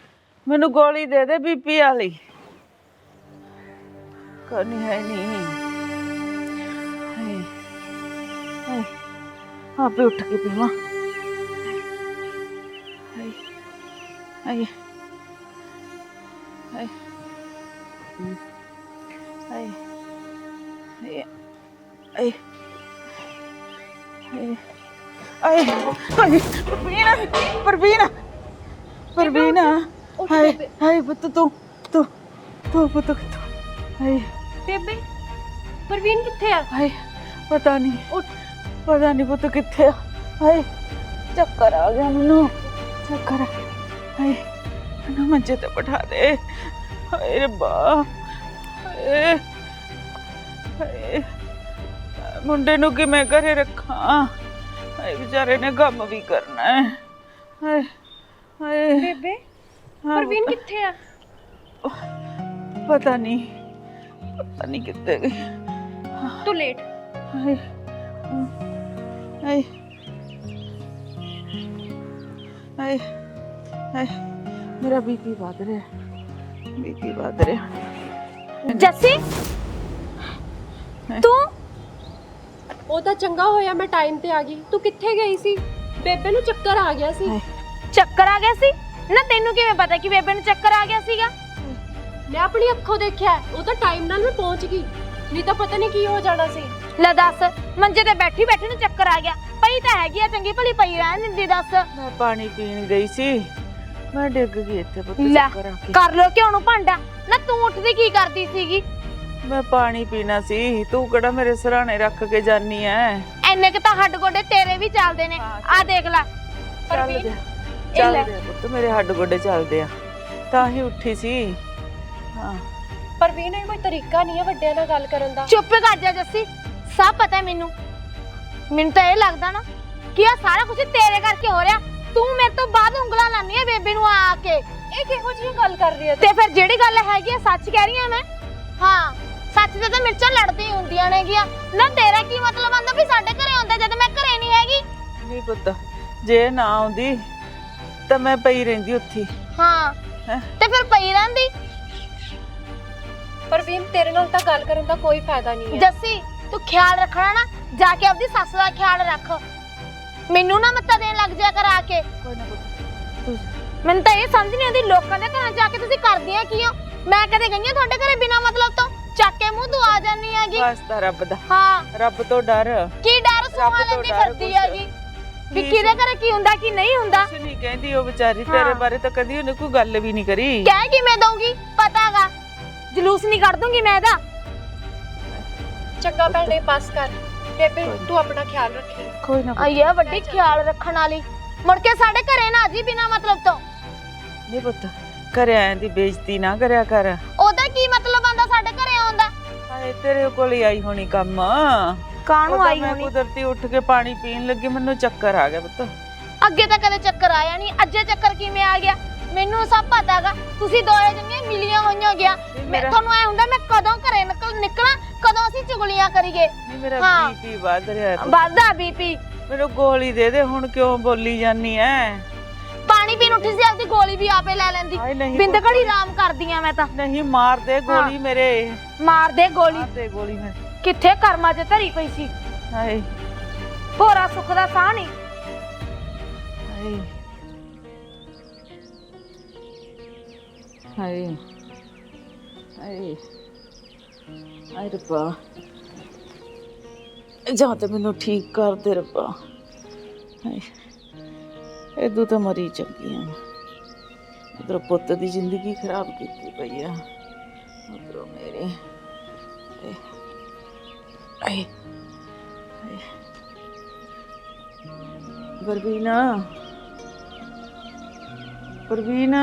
A: ਮੈਨੂੰ, ਗੋਲੀ ਦੇ ਦੇ ਬੀਪੀ ਵਾਲੀ। ਕਰਨੀ ਹੈ ਨਹੀਂ। ਆਪੇ ਉੱਠ ਕੇ ਪੀਵਾਂ। ਹਾਏ ਹਾਏ ਹਾਏ ਹਾਏ ਹਾਏ ਹਾਏ ਹਾਏ ਹਾਏ ਪ੍ਰਵੀਨ ਪ੍ਰਵੀਨ ਪ੍ਰਵੀਨ ਹਾਏ ਹਾਏ ਪੁੱਤ ਤੂੰ ਤੂੰ ਤੂੰ ਪੁੱਤ ਕਿੱਥੋਂ ਹਾਏ
C: ਬੇਬੇ ਪ੍ਰਵੀਨ ਕਿੱਥੇ ਆ?
A: ਹਾਏ ਪਤਾ ਨਹੀਂ ਉੱਠ ਪਤਾ ਨਹੀਂ ਪੁੱਤ ਕਿੱਥੇ ਆ। ਹਾਏ ਚੱਕਰ ਆ ਗਿਆ ਮੈਨੂੰ ਚੱਕਰ ਆ ਹਾਏ ਮੈਨੂੰ ਮੰਜੇ ਤੇ ਬਿਠਾ ਦੇ। ਹਾਏ ਰੱਬਾ ਹਾਏ ਹਾਏ ਮੁੰਡੇ ਨੂੰ ਕਿਵੇਂ ਘਰੇ ਰੱਖਾਂ? ਹਾਏ ਵਿਚਾਰੇ ਨੇ ਕੰਮ ਵੀ ਕਰਨਾ ਹੈ। ਹਾਏ ਹਾਏ
C: ਬੇਬੇ
A: ਹਾਂ
C: ਪ੍ਰਵੀਨ
A: ਪੁੱਤ,
C: ਕਿੱਥੇ ਆ?
A: ਪਤਾ ਨਹੀਂ ਪਤਾ ਨਹੀਂ ਕਿੱਥੇ ਗਈ।
C: ਤੂੰ ਲੇਟ।
A: ਹਾਏ ਹਾਏ ਹਾਏ ਹਾਏ ਮੇਰਾ ਬੀਪੀ ਵੱਧ ਰਿਹਾ ਬੀਪੀ ਵੱਧ ਰਿਹਾ।
B: ਜੱਸੀ ਤੂੰ
C: ਉਹ ਤਾਂ ਚੰਗਾ ਹੋਇਆ ਮੈਂ ਟਾਈਮ ਤੇ ਆ ਗਈ। ਤੂੰ ਕਿੱਥੇ ਗਈ ਸੀ? ਬੇਬੇ ਨੂੰ ਚੱਕਰ ਆ ਗਿਆ ਸੀ।
A: ਹਾਏ
B: ਚੱਕਰ ਆ ਗਿਆ ਸੀ ਨਾ? ਤੈਨੂੰ ਕਿਵੇਂ ਪਤਾ ਕਿ ਬੇਬੇ ਨੂੰ ਚੱਕਰ ਆ ਗਿਆ ਸੀਗਾ?
C: ਮੈਂ ਆਪਣੀ ਅੱਖੋਂ ਦੇਖਿਆ। ਉਹ ਤਾਂ ਟਾਈਮ ਨਾਲ ਮੈਂ ਪਹੁੰਚ ਗਈ, ਨਹੀਂ ਤਾਂ ਪਤਾ ਨਹੀਂ ਕੀ ਹੋ ਜਾਣਾ ਸੀ।
B: ਲੈ ਦੱਸ, ਮੰਜੇ ਤੇ ਬੈਠੀ ਬੈਠੀ ਨੂੰ ਚੱਕਰ ਆ ਗਿਆ? ਪਈ ਤਾਂ ਹੈਗੀ ਆ, ਚੰਗੀ ਭਲੀ ਪਈ ਰਹਿਣ ਦਿੰਦੀ। ਦੱਸ
A: ਮੈਂ ਪਾਣੀ ਪੀਣ ਗਈ ਸੀ ਮੈਂ ਡਿੱਗ ਗਈ ਇੱਥੇ ਪੁੱਤ
B: ਲੈ
A: ਚੱਕਰ ਆ ਕੇ।
B: ਕਰ ਲੋ ਕਿਉਂ ਨੂੰ ਭਾਂਡਾ ਨਾ? ਤੂੰ ਉੱਠਦੀ ਕੀ ਕਰਦੀ ਸੀਗੀ?
A: ਮੈਂ ਪਾਣੀ ਪੀਣਾ ਸੀ ਤੂੰ ਕਿਹੜਾ ਮੇਰੇ ਸਿਰਹਾਣੇ ਰੱਖ ਕੇ ਜਾਨੀ ਐ।
B: ਐਨੇ ਕਿ ਤਾਂ ਹੱਡ ਗੋਡੇ ਤੇਰੇ ਵੀ ਚੱਲਦੇ ਨੇ। ਆ ਦੇਖ ਲੈ
A: ਚੱਲਦੇ ਚੱਲਦੇ ਆ ਪੁੱਤ ਮੇਰੇ ਹੱਡ ਗੋਡੇ ਚੱਲਦੇ ਆ ਤਾਂ ਹੀ ਉੱਠੀ ਸੀ। ਹਾਂ
C: ਪ੍ਰਵੀਨ ਇਹ ਕੋਈ ਤਰੀਕਾ ਨਹੀਂ ਹੈ ਵੱਡਿਆਂ ਨਾਲ ਗੱਲ ਕਰਨ ਦਾ।
B: ਚੁੱਪ ਕਰ ਜਾ ਜੱਸੀ, ਸਭ ਪਤਾ ਮੈਨੂੰ। ਮੈਨੂੰ ਤਾਂ ਇਹ ਲੱਗਦਾ ਨਾ ਕਿ ਆ ਸਾਰਾ ਕੁਝ ਤੇਰੇ ਕਰਕੇ ਹੋ ਰਿਹਾ। ਤੂੰ ਮੇਰੇ ਤੋਂ ਬਾਅਦ ਉਂਗਲਾਂ ਲਾਨੀ ਹੈ ਬੇਬੇ ਨੂੰ ਆ ਕੇ।
C: ਇਹ ਕਿਹੋ ਜਿਹੀ ਗੱਲ ਕਰ ਰਹੀ ਹੈ
B: ਤੇ ਫਿਰ ਜਿਹੜੀ ਗੱਲ ਹੈਗੀ ਆ ਸੱਚ ਕਹਿ ਰਹੀ ਆ ਮੈਂ। ਹਾਂ ਸੱਚ ਤੇ ਤਾਂ ਮਿਰਚਾਂ ਲੜਦੀਆਂ ਹੁੰਦੀਆਂ ਨੇਗੀਆਂ ਨਾ। ਤੇਰਾ ਕੀ ਮਤਲਬ ਆਂਦਾ ਵੀ ਸਾਡੇ ਘਰੇ ਆਉਂਦਾ ਜਦ ਮੈਂ ਘਰੇ ਨਹੀਂ ਹੈਗੀ?
A: ਨਹੀਂ ਪੁੱਤ ਜੇ ਨਾ ਆਉਂਦੀ ਤਾਂ ਮੈਂ ਪਈ ਰਹਿੰਦੀ ਉੱਥੇ।
B: ਹਾਂ
A: ਹੈਂ?
B: ਤੇ ਫਿਰ ਪਈ ਰਹਿੰਦੀ।
C: ਪ੍ਰਵੀਨ ਤੇਰੇ ਨਾਲ ਤਾਂ ਗੱਲ ਕਰਨ ਦਾ ਕੋਈ ਫਾਇਦਾ ਨਹੀਂ ਹੈ।
B: ਜੱਸੀ ਤੂੰ ਖਿਆਲ ਰੱਖਣਾ ਨਾ, ਜਾ ਕੇ ਆਪਣੀ ਸੱਸ ਦਾ ਖਿਆਲ ਰੱਖ। ਮੈਨੂੰ ਨਾ ਮੱਤਾ ਦੇਣ ਲੱਗ ਜਾ ਕਰ ਆ ਕੇ।
A: ਕੋਈ ਨਾ ਪੁੱਤ ਤੂੰ
B: ਮੈਨੂੰ ਤਾਂ ਇਹ ਸਮਝ ਨਹੀਂ ਆਉਂਦੀ ਲੋਕਾਂ ਦੇ ਘਰਾਂ ਜਾ ਕੇ ਤੁਸੀਂ ਕਰਦੀਆਂ ਕੀ ਹੋ? ਮੈਂ ਕਦੇ ਗਈ ਹਾਂ ਤੁਹਾਡੇ ਘਰੇ ਬਿਨਾਂ ਮਤਲਬ ਤੋਂ? ਚੱਕ ਕੇ ਮੂੰਹ ਤੂੰ ਆ ਜਾਨੀ ਹੈਗੀ।
A: ਵਾਸਤਾ ਰੱਬ ਦਾ
B: ਹਾਂ
A: ਰੱਬ ਤੋਂ ਡਰ
B: ਕੀ ਡਰ ਸੁਹਾ
A: ਤੋਂ
B: ਲੈਂਦੀ
A: ਡਰ
B: ਫਿਰਦੀ
A: ਕੁਛ।
B: ਹੈਗੀ ਵੀ ਕਿਹਦੇ ਘਰੇ ਕੀ ਹੁੰਦਾ ਕੀ ਨਹੀਂ ਹੁੰਦਾ।
A: ਕੁਛ ਨਹੀਂ ਕਹਿੰਦੀ ਉਹ ਵਿਚਾਰੀ
B: ਹਾਂ।
A: ਤੇਰੇ ਬਾਰੇ ਤਾਂ ਕਦੀ ਉਹਨੇ ਕੋਈ ਗੱਲ ਵੀ ਨਹੀਂ ਕਰੀ।
B: ਕਹਿ ਕਿਵੇਂ ਦਊਂਗੀ? ਪਤਾਗਾ ਜਲੂਸ ਨਹੀਂ ਕੱਢ ਦੂੰਗੀ ਮੈਂ ਇਹਦਾ।
C: ਚੰਗਾ ਭੈਣੇ ਪਾਸ ਕਰ। ਬੇਬੇ
A: ਕੋਈ ਨੀ।
C: ਤੂੰ ਆਪਣਾ ਖਿਆਲ ਰੱਖੀ।
A: ਕੋਈ ਨਾ ਪੁੱਤ,
B: ਆਈ ਆ ਵੱਡੀ ਖਿਆਲ ਰੱਖਣ ਵਾਲੀ। ਮੁੜ ਕੇ ਸਾਡੇ ਘਰੇ ਨਾ ਜੀ ਬਿਨਾਂ ਮਤਲਬ ਤੋਂ।
A: ਨਹੀਂ ਪੁੱਤ ਘਰੇ ਆਇਆਂ ਦੀ ਬੇਇੱਜ਼ਤੀ ਨਾ ਕਰਿਆ ਕਰ।
B: ਉਹਦਾ ਕੀ ਮਤਲਬ ਆਂਦਾ ਸਾਡੇ ਘਰੇ ਆਉਂਦਾ?
A: ਹਾਏ ਤੇਰੇ ਕੋਲ ਹੀ ਆਈ ਹੋਣੀ ਕੰਮ।
B: ਕਾਹਨੂੰ
A: ਉਹ ਤਾਂ
B: ਆਈ
A: ਮੈਂ
B: ਹੋਣੀ?
A: ਕੁਦਰਤੀ ਉੱਠ ਕੇ ਪਾਣੀ ਪੀਣ ਲੱਗੀ ਮੈਨੂੰ ਚੱਕਰ ਆ ਗਿਆ ਪੁੱਤ।
B: ਅੱਗੇ ਤਾਂ ਕਦੇ ਚੱਕਰ ਆਇਆ ਨਹੀਂ, ਅੱਜੇ ਚੱਕਰ ਕਿਵੇਂ ਆ ਗਿਆ? ਮੈਨੂੰ ਸਭ ਪਤਾਗਾ। ਤੁਸੀਂ ਦੋਏ ਜਣੀਆਂ ਮਿਲੀਆਂ ਹੋਈਆਂ ਗਿਆ। ਮੈਂ
A: ਮੇਰਾ-
B: ਤੁਹਾਨੂੰ ਐ ਹੁੰਦਾ ਮੈਂ ਕਦੋਂ ਘਰੇ ਨਿਕਲ ਨਿਕਲਾਂ, ਕਦੋਂ ਅਸੀਂ ਚੁਗਲੀਆਂ ਕਰੀਏ।
A: ਨਹੀਂ ਮੇਰਾ
B: ਹਾਂ।
A: ਬੀਪੀ ਵੱਧ ਰਿਹਾ ਪੁੱਤ।
B: ਵੱਧਦਾ ਬੀਪੀ।
A: ਮੈਨੂੰ ਗੋਲੀ ਦੇ ਦੇ ਹੁਣ ਕਿਉਂ ਬੋਲੀ ਜਾਨੀ ਐ?
B: ਪਾਣੀ ਪੀਣ ਉੱਠੀ ਸੀ ਆਪਦੀ ਗੋਲੀ ਵੀ ਆਪੇ ਲੈ ਲੈਂਦੀ।
A: ਹਾਏ ਨਹੀਂ
B: ਬਿੰਦ
A: ਪੁੱਤ,
B: ਘੜੀ ਆਰਾਮ ਕਰਦੀਆਂ ਮੈਂ ਤਾਂ।
A: ਨਹੀਂ ਮਾਰ ਦੇ ਗੋਲੀ ਮੇਰੇ
B: ਮਾਰ ਦੇ ਗੋਲੀ।
A: ਮਾਰ ਦੇ ਗੋਲੀ ਮੇਰੇ।
B: ਕਿੱਥੇ ਕਰਮਾਂ 'ਚ ਧਰੀ ਪਈ ਸੀ।
A: ਹਾਏ
B: ਭੋਰਾ ਸੁੱਖ ਦਾ ਸਾਹ ਨਹੀਂ।
A: ਹਾਏ ਹਾਏ ਹਾਏ ਹਾਏ ਰੱਬਾ ਜਾਂ ਤੇ ਮੈਨੂੰ ਠੀਕ ਕਰ ਦੇ ਰੱਬਾ। ਹਾਏ ਇਦੋਂ ਤਾਂ ਮਰੀ ਚੰਗੀ ਆ। ਉਧਰ ਪੁੱਤ ਦੀ ਜ਼ਿੰਦਗੀ ਖਰਾਬ ਕੀਤੀ ਪਈ ਆ, ਉਧਰੋਂ ਮੇਰੇ। ਹਾਏ ਹਾਏ ਹਾਏ ਪਰਵੀਨਾ ਪਰਵੀਨਾ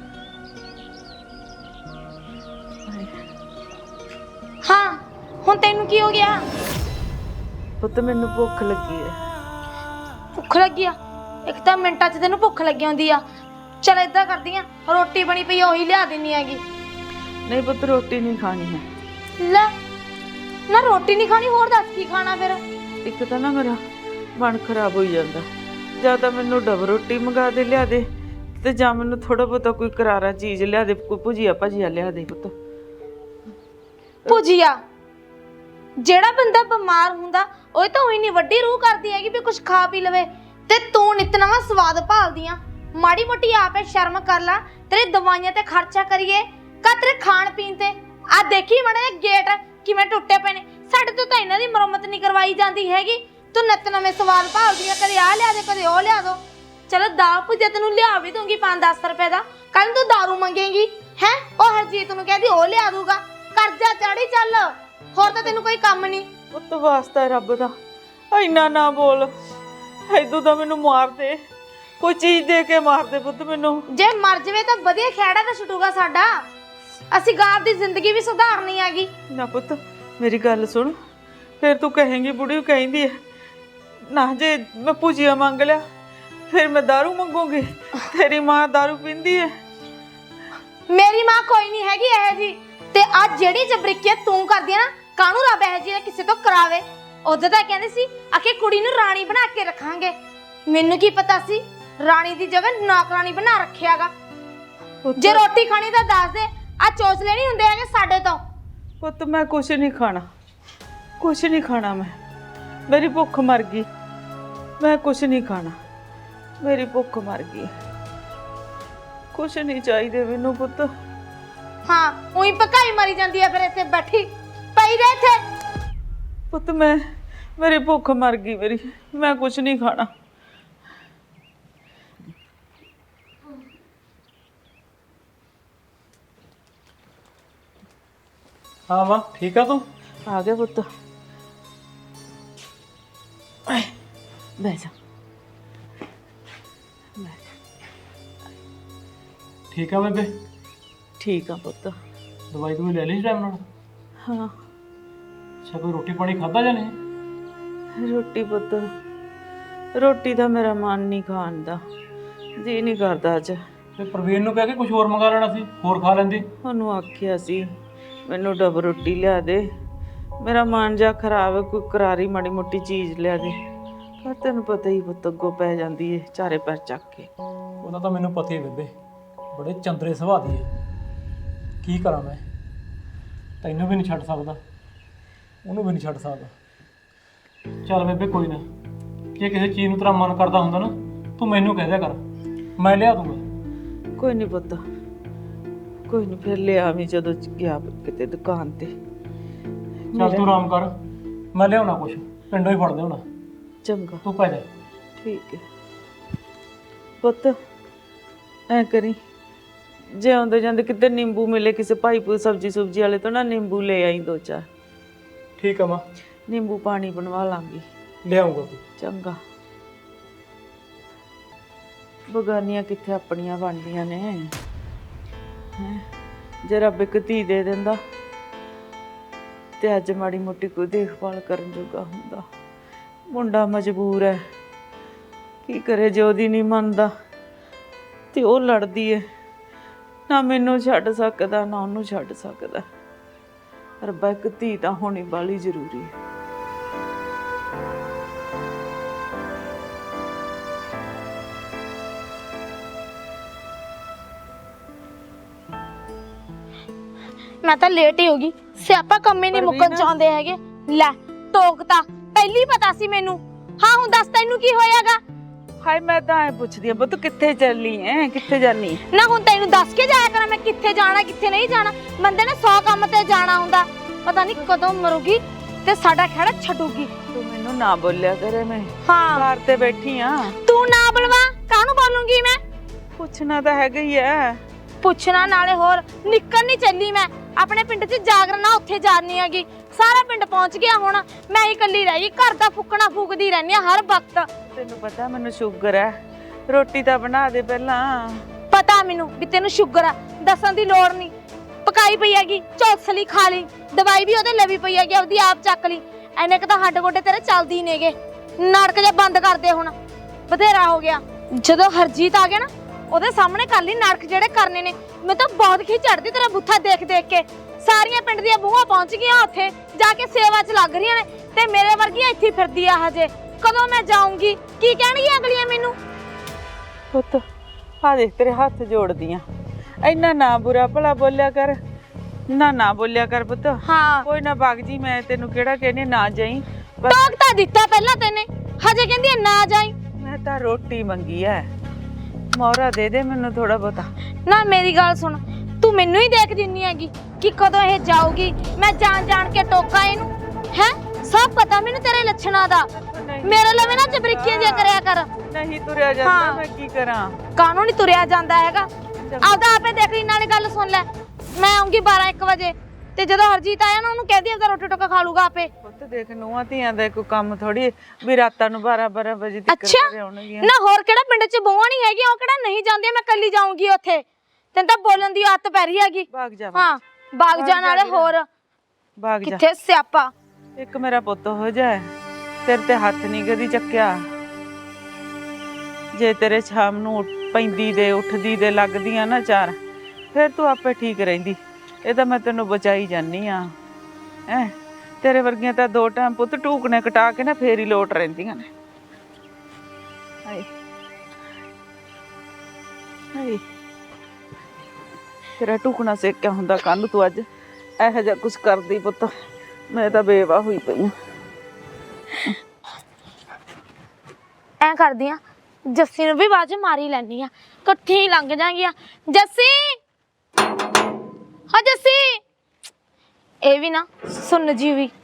A: ਹਾਏ
B: ਹਾਂ ਹੁਣ ਤੈਨੂੰ ਕੀ ਹੋ ਗਿਆ?
A: ਪੁੱਤ ਮੈਨੂੰ ਭੁੱਖ ਲੱਗੀ ਹੈ।
B: ਭੁੱਖ ਲੱਗੀ ਆ? ਇੱਕ ਤਾਂ ਮਿੰਟਾਂ 'ਚ ਤੈਨੂੰ ਭੁੱਖ ਲੱਗੀ ਹੁੰਦੀ ਆ। ਚਲ ਏਦਾਂ ਕਰਦੀ ਆ, ਰੋਟੀ ਬਣੀ ਪਈ ਆ ਉਹੀ ਲਿਆ ਦਿੰਨੀ ਹੈਗੀ।
A: ਨਹੀਂ ਪੁੱਤ ਰੋਟੀ ਨਹੀਂ ਖਾਣੀ ਹੈ।
B: ਲੈ ਨਾ ਰੋਟੀ ਨਹੀਂ ਖਾਣੀ, ਹੋਰ ਦੱਸ ਕੀ ਖਾਣਾ ਫਿਰ?
A: ਇੱਕ ਤਾਂ ਨਾ ਮੇਰਾ ਮਨ ਖਰਾਬ ਹੋਈ ਜਾਂਦਾ। ਜਾਂ ਤਾਂ ਮੈਨੂੰ ਡਬ ਰੋਟੀ ਮੰਗਾ ਦੇ ਲਿਆ ਦੇ, ਤੇ ਜਾਂ ਮੈਨੂੰ ਥੋੜਾ ਬਹੁਤਾ ਕੋਈ ਕਰਾਰਾ ਚੀਜ਼ ਲਿਆ ਦੇ, ਕੋਈ ਭੁਜੀਆ ਭਜੀਆ ਲਿਆ ਦੇ ਪੁੱਤ।
B: ਭੁਜੀਆ? ਜਿਹੜਾ ਬੰਦਾ ਬਿਮਾਰ ਹੁੰਦਾ ਉਹ ਤਾਂ ਉਹੀ ਨਹੀਂ ਵੱਡੀ ਰੂਹ ਕਰਦੀ ਹੈਗੀ ਵੀ ਕੁਝ ਖਾ ਪੀ ਲਵੇ, ਤੇ ਤੂੰ ਨਿਤ ਨਵਾਂ ਸਵਾਦ ਭਾਲਦੀ ਆ। ਮਾੜੀ ਮੋਟੀ ਆਪੇ ਸ਼ਰਮ ਕਰ ਲੈ, ਤੇਰੇ ਦਵਾਈਆਂ ਤੇ ਖਰਚਾ ਕਰੀਏ ਕਾ ਤੇਰੇ ਖਾਣ ਪੀਣ ਤੇ। ਆ ਦੇਖੀ ਮਾੜਾ ਜਿਹਾ ਗੇਟ ਕਿਵੇਂ ਟੁੱਟੇ ਪਏ ਨੇ, ਸਾਡੇ ਤੋਂ ਤਾਂ ਇਹਨਾਂ ਦੀ ਮੁਰੰਮਤ ਨਹੀਂ ਕਰਵਾਈ ਜਾਂਦੀ ਹੈਗੀ। ਤੂੰ ਨਿਤ ਨਵੇਂ ਸਵਾਦ ਭਾਲਦੀ ਆ, ਕਦੇ ਆ ਲਿਆ ਦੇ ਕਦੇ ਉਹ ਲਿਆ ਦੋ। ਚਲੋ ਦਾਲ ਭੁਜਿਆ ਤੈਨੂੰ ਲਿਆ ਵੀ ਦੂੰਗੀ ਪੰਜ ਦਸ ਰੁਪਏ ਦਾ, ਕੱਲ ਤੂੰ ਦਾਰੂ ਮੰਗੇਂਗੀ ਹੈ, ਉਹ ਹਰਜੀਤ ਨੂੰ ਕਹਿੰਦੀ ਉਹ ਲਿਆ ਦੂਗਾ। ਕਰਜ਼ਾ ਚੜੀ ਚੱਲ, ਹੋਰ ਤਾਂ ਤੈਨੂੰ ਕੋਈ ਕੰਮ ਨਹੀਂ।
A: ਪੁੱਤ ਵਾਸਤਾ ਰੱਬ ਦਾ ਇੰਨਾ ਨਾ ਬੋਲ, ਐਦੂ ਤਾਂ ਮੈਨੂੰ ਮਾਰ ਦੇ, ਕੋਈ ਚੀਜ਼ ਦੇ ਕੇ ਮਾਰ ਦੇ ਪੁੱਤ ਮੈਨੂੰ।
B: ਜੇ ਮਰ ਜਵੇ ਤਾਂ ਵਧੀਆ ਖੇੜਾ ਤਾਂ ਛੁੱਟੂਗਾ ਸਾਡਾ, ਅਸੀਂ ਗਾਂ ਦੀ ਜ਼ਿੰਦਗੀ ਵੀ ਸੁਧਾਰਨੀ ਹੈਗੀ।
A: ਨਾ ਪੁੱਤ ਮੇਰੀ ਗੱਲ ਸੁਣ, ਫਿਰ ਤੂੰ ਕਹੇਂਗੀ ਬੁੜੀ ਕਹਿੰਦੀ ਹੈ ਨਾ, ਜੇ ਮੈਂ ਭੁਜੀਆ ਮੰਗ ਲਿਆ ਫਿਰ ਮੈਂ ਦਾਰੂ ਮੰਗੂਗੀ। ਤੇਰੀ ਮਾਂ ਦਾਰੂ ਪੀਂਦੀ ਹੈ?
B: ਮੇਰੀ ਮਾਂ ਕੋਈ ਨਹੀਂ ਹੈਗੀ ਇਹ ਜੀ, ਤੇ ਅੱਜ ਜਿਹੜੀ ਜਬਰੀਕੀਅਤ ਤੂੰ ਕਰਦੀ ਹੈ ਨਾ, ਕਾਹਨੂੰ ਰੱਬ ਇਹ ਜੀ ਕਿਸੇ ਤੋਂ ਕਰਾਵੇ। ਉਦੋਂ ਤਾਂ ਕਹਿੰਦੇ ਸੀ ਆਖੇ ਕੁੜੀ ਨੂੰ ਰਾਣੀ ਬਣਾ ਕੇ ਰੱਖਾਂਗੇ, ਮੈਨੂੰ ਕੀ ਪਤਾ ਸੀ ਰਾਣੀ ਦੀ ਜਗ੍ਹਾ ਨੌਕਰਾਨੀ ਬਣਾ ਰੱਖਿਆਗਾ। ਜੇ ਰੋਟੀ ਖਾਣੀ ਤਾਂ ਦੱਸ ਦੇ, ਆ ਚੋਚਲੇ ਨਹੀਂ ਹੁੰਦੇ ਹੈਗੇ ਸਾਡੇ ਤੋਂ।
A: ਪੁੱਤ ਮੈਂ ਕੁਛ ਨਹੀਂ ਖਾਣਾ, ਕੁਛ ਨਹੀਂ ਖਾਣਾ, ਮੈਂ ਮੇਰੀ ਭੁੱਖ ਮਰ ਗਈ, ਮੈਂ ਕੁਛ ਨਹੀਂ ਖਾਣਾ, ਮੇਰੀ ਭੁੱਖ ਮਰ ਗਈ, ਕੁਛ ਨਹੀਂ ਚਾਹੀਦੇ ਮੈਨੂੰ ਪੁੱਤ।
B: ਹਾਂ ਉਹੀ ਪਕਾਈ ਮਰੀ ਜਾਂਦੀ ਹੈ ਫਿਰ ਇੱਥੇ ਬੈਠੀ ਪਈ ਰਹਿ ਇੱਥੇ।
A: ਪੁੱਤ ਮੈਂ ਮੇਰੀ ਭੁੱਖ ਮਰ ਗਈ ਮੇਰੀ, ਮੈਂ ਕੁਛ ਨਹੀਂ ਖਾਣਾ।
D: ਹਾਂ ਮਾਂ ਠੀਕ ਆ ਤੂੰ?
A: ਆ ਗਿਆ ਪੁੱਤ, ਬਹਿ ਜਾ।
D: ਠੀਕ ਆ ਬੇਬੇ?
A: ਠੀਕ ਆ ਪੁੱਤ।
D: ਦਵਾਈ ਤੂੰ ਲੈ ਲਈ ਟਾਈਮ ਨਾਲ?
A: ਹਾਂ
D: ਅੱਛਾ, ਕੋਈ ਰੋਟੀ ਪਾਣੀ ਖਾਧਾ ਜਾਂ ਨਹੀਂ?
A: ਰੋਟੀ ਪੁੱਤ, ਰੋਟੀ ਦਾ ਮੇਰਾ ਮਨ ਨਹੀਂ ਖਾਣ ਦਾ, ਜੀ ਨਹੀਂ ਕਰਦਾ ਅੱਜ।
D: ਤੇ ਪ੍ਰਵੀਨ ਨੂੰ ਕਹਿ ਕੇ ਕੁਝ ਹੋਰ ਮੰਗਾ ਲੈਣਾ ਸੀ, ਹੋਰ ਖਾ ਲੈਂਦੀ।
A: ਉਹਨੂੰ ਆਖਿਆ ਸੀ ਮੈਨੂੰ ਡਬ ਰੋਟੀ ਲਿਆ ਦੇ, ਮੇਰਾ ਮਨ ਜਾ ਖਰਾਬ ਹੈ, ਕੋਈ ਕਰਾਰੀ ਮਾੜੀ ਮੋਟੀ ਚੀਜ਼ ਲਿਆ ਦੇ। ਪਰ ਤੈਨੂੰ ਪਤਾ ਹੀ ਪੁੱਤ ਅੱਗੋਂ ਪੈ ਜਾਂਦੀ ਏ ਚਾਰੇ ਪੈਰ ਚੱਕ ਕੇ।
D: ਉਹਦਾ ਤਾਂ ਮੈਨੂੰ ਪਤਾ ਹੀ ਬੇਬੇ, ਬੜੇ ਚੰਦਰੇ ਸੁਭਾਅ ਦੀ ਹੈ। ਕੀ ਕਰਾਂ ਮੈਂ, ਤੈਨੂੰ ਵੀ ਨਹੀਂ ਛੱਡ ਸਕਦਾ, ਉਹਨੂੰ ਵੀ ਨਹੀਂ ਛੱਡ ਸਕਦਾ। ਚੱਲ ਬੇਬੇ ਕੋਈ ਨਾ, ਜੇ ਕਿਸੇ ਚੀਜ਼ ਨੂੰ ਤੇਰਾ ਮਨ ਕਰਦਾ ਹੁੰਦਾ ਨਾ, ਤੂੰ ਮੈਨੂੰ ਕਹਿ ਦਿਆ ਕਰ, ਮੈਂ ਲਿਆ ਦੂੰਗਾ।
A: ਕੋਈ ਨਹੀਂ ਪੁੱਤ, ਕੋਈ ਨਹੀਂ, ਫਿਰ ਲਿਆ ਵੀ ਜਦੋਂ ਗਿਆ ਕਿਤੇ ਦੁਕਾਨ ਤੇ।
D: ਚੱਲ ਤੂੰ ਆਰਾਮ ਕਰ, ਮੈਂ ਲਿਆਉਣਾ ਕੁਛ, ਪਿੰਡੋਂ ਹੀ ਫੜਦੇ ਹੋਣਾ।
A: ਚੰਗਾ
D: ਤੂੰ ਪੈ ਜਾ।
A: ਠੀਕ ਹੈ ਪੁੱਤ, ਐ ਕਰੀ ਜੇ ਆਉਂਦੇ ਜਾਂਦੇ ਕਿਤੇ ਨਿੰਬੂ ਮਿਲੇ ਕਿਸੇ ਭਾਈ ਪੂ ਸਬਜ਼ੀ ਸੁਬਜੀ ਵਾਲੇ ਤੋਂ ਨਾ, ਨਿੰਬੂ ਲੈ ਆਈ ਦੋ ਚਾਰ।
D: ਠੀਕ ਆ ਮਾਂ,
A: ਨਿੰਬੂ ਪਾਣੀ ਬਣਵਾ ਲਾਂਗੀ।
D: ਲਿਆਉਂਗਾ।
A: ਚੰਗਾ, ਬਗਾਨੀਆਂ ਕਿੱਥੇ ਆਪਣੀਆਂ ਬਣਦੀਆਂ ਨੇ ਹੈਂ। ਜੇ ਰੱਬ ਇੱਕ ਧੀ ਦੇ ਦਿੰਦਾ ਤੇ ਅੱਜ ਮਾੜੀ ਮੋਟੀ ਕੋਈ ਦੇਖਭਾਲ ਕਰਨ ਜੋਗਾ ਹੁੰਦਾ। ਮੁੰਡਾ ਮਜਬੂਰ ਹੈ, ਕੀ ਕਰੇ, ਜੇ ਉਹਦੀ ਨਹੀਂ ਮੰਨਦਾ ਤੇ ਉਹ ਲੜਦੀ ਹੈ, ਨਾ ਮੈਨੂੰ ਛੱਡ ਸਕਦਾ ਨਾ ਉਹਨੂੰ ਛੱਡ ਸਕਦਾ। ਰੱਬਾ ਇੱਕ ਧੀ ਤਾਂ ਹੋਣੀ ਬਾਲੀ ਜ਼ਰੂਰੀ ਹੈ।
B: ਮੈਂ ਤਾਂ ਲੇਟ ਹੀ ਹੋ ਗਈ, ਸਿਆਪਾ ਕੰਮੇ ਨਹੀਂ ਮੁੱਕਣ ਚਾਹੁੰਦੇ ਹੈਗੇ। ਲੈ ਟੋਕਤਾ, ਪਹਿਲੀ ਪਤਾ ਸੀ ਮੈਨੂੰ। ਹਾਂ ਹੁਣ ਦੱਸ ਤੈਨੂੰ ਕੀ ਹੋਇਆਗਾ?
A: ਹਾਏ ਮੈਂ ਤਾਂ ਐ ਪੁੱਛਦੀ ਆ ਤੂੰ ਕਿੱਥੇ ਚੱਲੀ ਐ, ਕਿੱਥੇ ਜਾਨੀ?
B: ਨਾ ਹੁਣ ਤੈਨੂੰ ਦੱਸ ਕੇ ਜਾਇਆ ਕਰਾਂ ਮੈਂ ਕਿੱਥੇ ਜਾਣਾ ਕਿੱਥੇ ਨਹੀਂ ਜਾਣਾ। ਬੰਦੇ ਨੇ ਸੌ ਕੰਮ ਤੇ ਜਾਣਾ ਹੁੰਦਾ, ਪਤਾ ਨਹੀਂ ਕਦੋਂ ਮਰੂਗੀ ਤੇ ਸਾਡਾ ਖੜਾ ਛੱਡੂਗੀ।
A: ਤੂੰ ਮੈਨੂੰ ਨਾ ਬੋਲਿਆ ਕਰੇ, ਮੈਂ
B: ਹਾਂ
A: ਘਰ ਤੇ ਬੈਠੀ ਆ।
B: ਤੂੰ ਨਾ ਬਲਵਾ, ਕਾਹਨੂੰ ਬੋਲੂੰਗੀ ਮੈਂ?
A: ਪੁੱਛਣਾ ਤਾਂ ਹੈਗਾ ਹੀ ਐ।
B: ਪੁੱਛਣਾ ਨਾਲੇ ਹੋਰ ਨਿਕਲ ਨਹੀਂ ਚੱਲੀ ਮੈਂ ਆਪਣੇ ਪਿੰਡ 'ਚ ਜਾਗਰਨਾ, ਉੱਥੇ ਜਾਣੀ ਹੈਗੀ। ਸਾਰਾ ਪਿੰਡ ਪਹੁੰਚ ਗਿਆ ਹੁਣ, ਮੈਂ ਹੀ ਇਕੱਲੀ ਰਹਿ ਗਈ। ਘਰ ਦਾ ਫੁੱਕਣਾ ਫੂਕਦੀ ਰਹਿੰਦੀ ਆ ਹਰ ਵਕਤ।
A: ਤੈਨੂੰ ਪਤਾ ਮੈਨੂੰ ਸ਼ੂਗਰ ਐ, ਰੋਟੀ ਤਾਂ ਬਣਾ ਦੇ ਪਹਿਲਾਂ।
B: ਪਤਾ ਮੈਨੂੰ ਵੀ ਤੈਨੂੰ ਸ਼ੂਗਰ ਆ, ਦੱਸਣ ਦੀ ਲੋੜ ਨਹੀਂ। ਪਕਾਈ ਪਈ ਹੈਗੀ, ਚੌਸਲੀ ਖਾ ਲਈ, ਦਵਾਈ ਵੀ ਉਹਦੇ ਲਵੀ ਪਈ ਹੈਗੀ, ਆਪਦੀ ਆਪ ਚੱਕ ਲਈ। ਐਨੇ ਕ ਤਾਂ ਹੱਡ ਗੋਡੇ ਤੇਰੇ ਚੱਲਦੀ ਨੇਗੇ। ਨਾਟਕ ਜਿਹਾ ਬੰਦ ਕਰ ਦੇ ਹੁਣ, ਬਥੇਰਾ ਹੋ ਗਿਆ। ਜਦੋਂ ਹਰਜੀਤ ਆ ਗਿਆ ਨਾ, ਉਹਦੇ ਸਾਹਮਣੇ ਕਰ ਲਈ ਨਾਟਕ ਜਿਹੜੇ ਕਰਨੇ ਨੇ। ਮੈਂ ਤਾਂ ਬਹੁਤ ਖਿੱਚ ਚੜਦੀ ਤੇਰਾ ਬੁੱਥਾ ਦੇਖ ਦੇਖ ਕੇ। ਸਾਰੀਆਂ ਪਿੰਡ ਦੀਆਂ ਬੂਹਾਂ ਪਹੁੰਚ ਗਈਆਂ, ਉੱਥੇ ਜਾ ਕੇ ਸੇਵਾ 'ਚ ਲੱਗ ਰਹੀਆਂ ਨੇ, ਤੇ ਮੇਰੇ ਵਰਗੀਆਂ ਇੱਥੇ ਫਿਰਦੀ ਆ ਹਜੇ। ਕਦੋਂ ਮੈਂ ਜਾਊਂਗੀ? ਕੀ ਕਹਿਣਗੀਆਂ ਅਗਲੀਆਂ ਮੈਨੂੰ?
A: ਪੁੱਤ ਆ ਦੇਖ ਤੇਰੇ ਹੱਥ ਜੋੜਦੀ ਆ, ਇੰਨਾ ਨਾ ਬੁਰਾ ਭਲਾ ਬੋਲਿਆ ਕਰ। ਨਾ ਨਾ ਬੋਲਿਆ ਕਰ ਪੁੱਤ।
B: ਹਾਂ
A: ਕੋਈ ਨਾ ਬਾਗ ਜੀ, ਮੈਂ ਤੈਨੂੰ ਕਿਹੜਾ ਕਹਿੰਦੀ ਨਾ ਜਾਈ। ਬਸ
B: ਟੋਕ ਤਾਂ ਦਿੱਤਾ ਪਹਿਲਾਂ ਤੈਨੇ, ਹਜੇ ਕਹਿੰਦੀ ਆ ਨਾ ਜਾਈ।
A: ਮੈਂ ਤਾਂ ਰੋਟੀ ਮੰਗੀ ਐ, ਮੋਹਰਾ ਦੇ ਦੇ ਮੈਨੂੰ ਥੋੜਾ ਬਹੁਤਾ।
B: ਨਾ ਮੇਰੀ ਗੱਲ ਸੁਣ, ਤੂੰ ਮੈਨੂੰ ਹੀ ਦੇਖ ਦਿੰਨੀ ਹੈਗੀ ਕਿ ਕਦੋਂ ਇਹ ਜਾਊਗੀ। ਮੈਂ ਜਾਣ ਜਾਣ ਕੇ ਟੋਕਾਂ ਇਹਨੂੰ ਹੈ, ਸਭ ਪਤਾ ਮੈਨੂੰ ਤੇਰੇ ਲੱਛਣਾਂ ਦਾ। ਮੇਰੇ ਲਵੇ ਨਾ ਚਬਰੀਕੀਆਂ ਜਿਹਾ ਕਰਿਆ ਕਰ।
A: ਨਹੀਂ ਤੁਰਿਆ ਜਾਂਦਾ, ਮੈਂ ਕੀ ਕਰਾਂ।
B: ਕਾਹਨੂੰ ਨਹੀਂ ਤੁਰਿਆ ਜਾਂਦਾ ਹੈਗਾ, ਆਪਦਾ ਆਪੇ ਦੇਖ ਲਈ। ਨਾਲੇ ਗੱਲ ਸੁਣ ਲੈ, ਮੈਂ ਆਉਂਗੀ ਬਾਰਾਂ ਇੱਕ ਵਜੇ, ਤੇ ਜਦੋਂ ਹਰਜੀਤ ਆਇਆ ਨਾ ਉਹਨੂੰ ਕਹਿ ਦੀ ਆਪਦਾ ਰੋਟੀ ਟੋਕਾ ਖਾ ਲੂਗਾ ਆਪੇ।
A: ਪੁੱਤ ਦੇਖ, ਨੂੰਹਾਂ ਧੀਆਂ ਦਾ ਕੋਈ ਕੰਮ ਥੋੜੀ ਵੀ ਰਾਤਾਂ ਨੂੰ ਬਾਰਾਂ ਬਾਰਾਂ ਵਜੇ ਤੱਕ
B: ਅੱਛਾ
A: ਘਰੇ ਆਉਣਗੀਆਂ।
B: ਨਾ ਹੋਰ ਕਿਹੜਾ ਪਿੰਡ 'ਚ ਬਹੂਆਂ ਨਹੀਂ ਹੈਗੀਆਂ, ਉਹ ਕਿਹੜਾ ਨਹੀਂ ਜਾਂਦੀਆਂ। ਮੈਂ ਕੱਲੀ ਜਾਊਂਗੀ ਉੱਥੇ, ਤੈਨੂੰ ਤਾਂ ਬੋਲਣ ਦੀ ਆਦਤ ਪੈ ਰਹੀ ਹੈਗੀ।
A: ਭਾਗ ਜਾ,
B: ਹਾਂ ਬਾਗ ਜਾਣ ਵਾਲੇ ਹੋਰ
A: ਭਾਗ ਜਾ।
B: ਕਿੱਥੇ ਸਿਆਪਾ।
A: ਇੱਕ ਮੇਰਾ ਪੁੱਤ ਹੋ ਜਾਏ, ਤੇਰੇ ਤੇ ਹੱਥ ਨਹੀਂ ਕਦੀ ਚੱਕਿਆ। ਜੇ ਤੇਰੇ ਸ਼ਾਮ ਨੂੰ ਉੱਠ- ਪੈਂਦੀ ਦੇ ਉੱਠਦੀ ਦੇ ਲੱਗਦੀਆਂ ਨਾ ਚਾਰ, ਫਿਰ ਤੂੰ ਆਪੇ ਠੀਕ ਰਹਿੰਦੀ। ਇਹ ਤਾਂ ਮੈਂ ਤੈਨੂੰ ਬਚਾਈ ਜਾਨੀ ਆ ਹੈ। ਤੇਰੇ ਵਰਗੀਆਂ ਤਾਂ ਦੋ ਟਾਈਮ ਪੁੱਤ ਟੂਕਣੇ ਕਟਾ ਕੇ ਨਾ ਫੇਰ ਹੀ ਲੋਟ ਰਹਿੰਦੀਆਂ ਨੇ। ਹਾਏ ਹਾਏ, ਤੇਰਾ ਟੂਕਣਾ ਸੇਕਿਆ ਹੁੰਦਾ ਕੱਲ ਤੂੰ ਅੱਜ ਇਹੋ ਜਿਹਾ ਕੁਛ ਕਰਦੀ ਪੁੱਤ। ਮੈਂ ਤਾਂ ਬੇਵਾਹ ਹੋਈ ਪਈ ਆ।
B: ਐ ਕਰਦੀ ਆ, ਜੱਸੀ ਨੂੰ ਵੀ ਬਾਅਦ ਮਾਰੀ ਲੈਣੀ ਆ, ਇਕੱਠੀ ਹੀ ਲੰਘ ਜਾਣਗੀਆਂ। ਜੱਸੀ, ਹਾਂ ਜੱਸੀ। ਇਹ ਵੀ ਨਾ ਸੁਣ ਜੀ ਵੀ।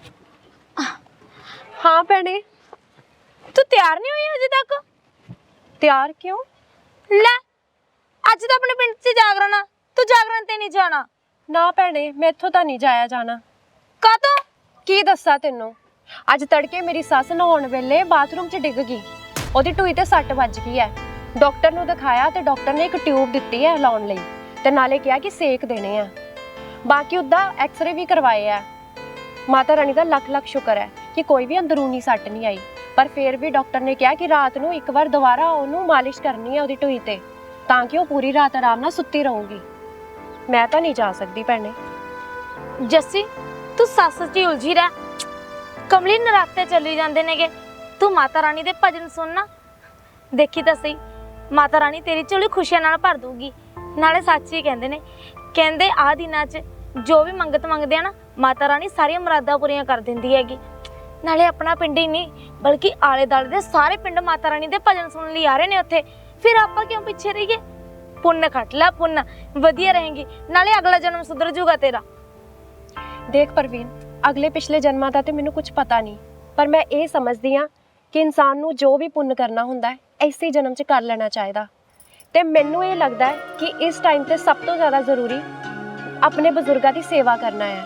C: ਹਾਂ ਭੈਣੇ,
B: ਤੂੰ ਤਿਆਰ ਨਹੀਂ ਹੋਈ ਅਜੇ ਤੱਕ?
C: ਤਿਆਰ ਕਿਉਂ?
B: ਲੈ ਅੱਜ ਤਾਂ ਆਪਣੇ ਪਿੰਡ 'ਚ ਜਾਗਰਣ ਆ, ਤੂੰ ਜਾਗਰਣ ਤੇ ਨਹੀਂ ਜਾਣਾ?
C: ਨਾ ਭੈਣੇ, ਮੈਥੋਂ ਤਾਂ ਨਹੀਂ ਜਾਇਆ ਜਾਣਾ।
B: ਕਾਹਤੋਂ?
C: ਕੀ ਦੱਸਾਂ ਤੈਨੂੰ, ਅੱਜ ਤੜਕੇ ਮੇਰੀ ਸੱਸ ਨਹਾਉਣ ਵੇਲੇ ਬਾਥਰੂਮ 'ਚ ਡਿੱਗ ਗਈ। ਉਹਦੀ ਟੂਈ ਤੇ ਸੱਟ ਵੱਜ ਗਈ ਹੈ। ਡਾਕਟਰ ਨੂੰ ਦਿਖਾਇਆ ਤੇ ਡਾਕਟਰ ਨੇ ਇੱਕ ਟਿਊਬ ਦਿੱਤੀ ਹੈ ਲਾਉਣ ਲਈ, ਤੇ ਨਾਲੇ ਕਿਹਾ ਕਿ ਸੇਕ ਦੇਣੇ ਆ। ਬਾਕੀ ਉਹਦਾ ਐਕਸ-ਰੇ ਵੀ ਕਰਵਾਏ ਆ। ਮਾਤਾ ਰਾਣੀ ਦਾ ਲੱਖ ਲੱਖ ਸ਼ੁਕਰ ਹੈ ਕਿ ਕੋਈ ਵੀ ਅੰਦਰੂਨੀ ਸੱਟ ਨਹੀਂ ਆਈ, ਪਰ ਫਿਰ ਵੀ ਡਾਕਟਰ ਨੇ ਕਿਹਾ ਕਿ ਰਾਤ ਨੂੰ ਇੱਕ ਵਾਰ ਦੁਬਾਰਾ ਉਹਨੂੰ ਮਾਲਿਸ਼ ਕਰਨੀ ਹੈ ਉਹਦੀ ਟੂਈ ਤੇ, ਤਾਂ ਕਿ ਉਹ ਪੂਰੀ ਰਾਤ ਆਰਾਮ ਨਾਲ ਸੁੱਤੀ ਰਹੂਗੀ। ਮੈਂ ਤਾਂ ਨਹੀਂ ਜਾ ਸਕਦੀ ਭੈਣੇ।
B: ਜੱਸੀ ਤੂੰ ਸੱਸ 'ਚ ਹੀ ਉਲਝੀ ਰਹਿ। ਕਮਲੀ ਨਰਾਤੇ ਚੱਲੀ ਜਾਂਦੇ ਨੇਗੇ, ਤੂੰ ਮਾਤਾ ਰਾਣੀ ਦੇ ਭਜਨ ਸੁਣਨਾ। ਦੇਖੀ ਤਾਂ ਸਹੀ, ਮਾਤਾ ਰਾਣੀ ਤੇਰੀ ਝੋਲੀ ਖੁਸ਼ੀਆਂ ਨਾਲ ਭਰ ਦੂਗੀ। ਨਾਲੇ ਸੱਚ ਹੀ ਕਹਿੰਦੇ ਨੇ, ਕਹਿੰਦੇ ਆਹ ਦਿਨਾਂ 'ਚ ਜੋ ਵੀ ਮੰਗਤ ਮੰਗਦੇ ਆ ਨਾ, ਮਾਤਾ ਰਾਣੀ ਸਾਰੀਆਂ ਮੁਰਾਦਾਂ ਪੂਰੀਆਂ ਕਰ ਦਿੰਦੀ ਹੈਗੀ। ਨਾਲੇ ਆਪਣਾ ਪਿੰਡ ਹੀ ਨਹੀਂ ਬਲਕਿ ਆਲੇ ਦੁਆਲੇ ਦੇ ਸਾਰੇ ਪਿੰਡ ਮਾਤਾ ਰਾਣੀ ਦੇ ਭਜਨ ਸੁਣਨ ਲਈ ਆ ਰਹੇ ਨੇ ਉੱਥੇ। ਫਿਰ ਆਪਾਂ ਕਿਉਂ ਪਿੱਛੇ ਰਹੀਏ? ਪੁੰਨ ਖੱਟ ਲੈ, ਪੁੰਨ ਵਧੀਆ ਰਹੇਗੀ, ਨਾਲੇ ਅਗਲਾ ਜਨਮ ਸੁਧਰ ਜੂਗਾ ਤੇਰਾ।
C: ਦੇਖ ਪ੍ਰਵੀਨ, ਅਗਲੇ ਪਿਛਲੇ ਜਨਮਾਂ ਦਾ ਤੇ ਮੈਨੂੰ ਕੁਝ ਪਤਾ ਨਹੀਂ, ਪਰ ਮੈਂ ਇਹ ਸਮਝਦੀ ਹਾਂ ਕਿ ਇਨਸਾਨ ਨੂੰ ਜੋ ਵੀ ਪੁੰਨ ਕਰਨਾ ਹੁੰਦਾ ਹੈ ਇਸੇ ਜਨਮ 'ਚ ਕਰ ਲੈਣਾ ਚਾਹੀਦਾ। ਤੇ ਮੈਨੂੰ ਇਹ ਲੱਗਦਾ ਹੈ ਕਿ ਇਸ ਟਾਈਮ ਤੇ ਸਭ ਤੋਂ ਜ਼ਿਆਦਾ ਜ਼ਰੂਰੀ ਆਪਣੇ ਬਜ਼ੁਰਗਾਂ ਦੀ ਸੇਵਾ ਕਰਨਾ ਹੈ।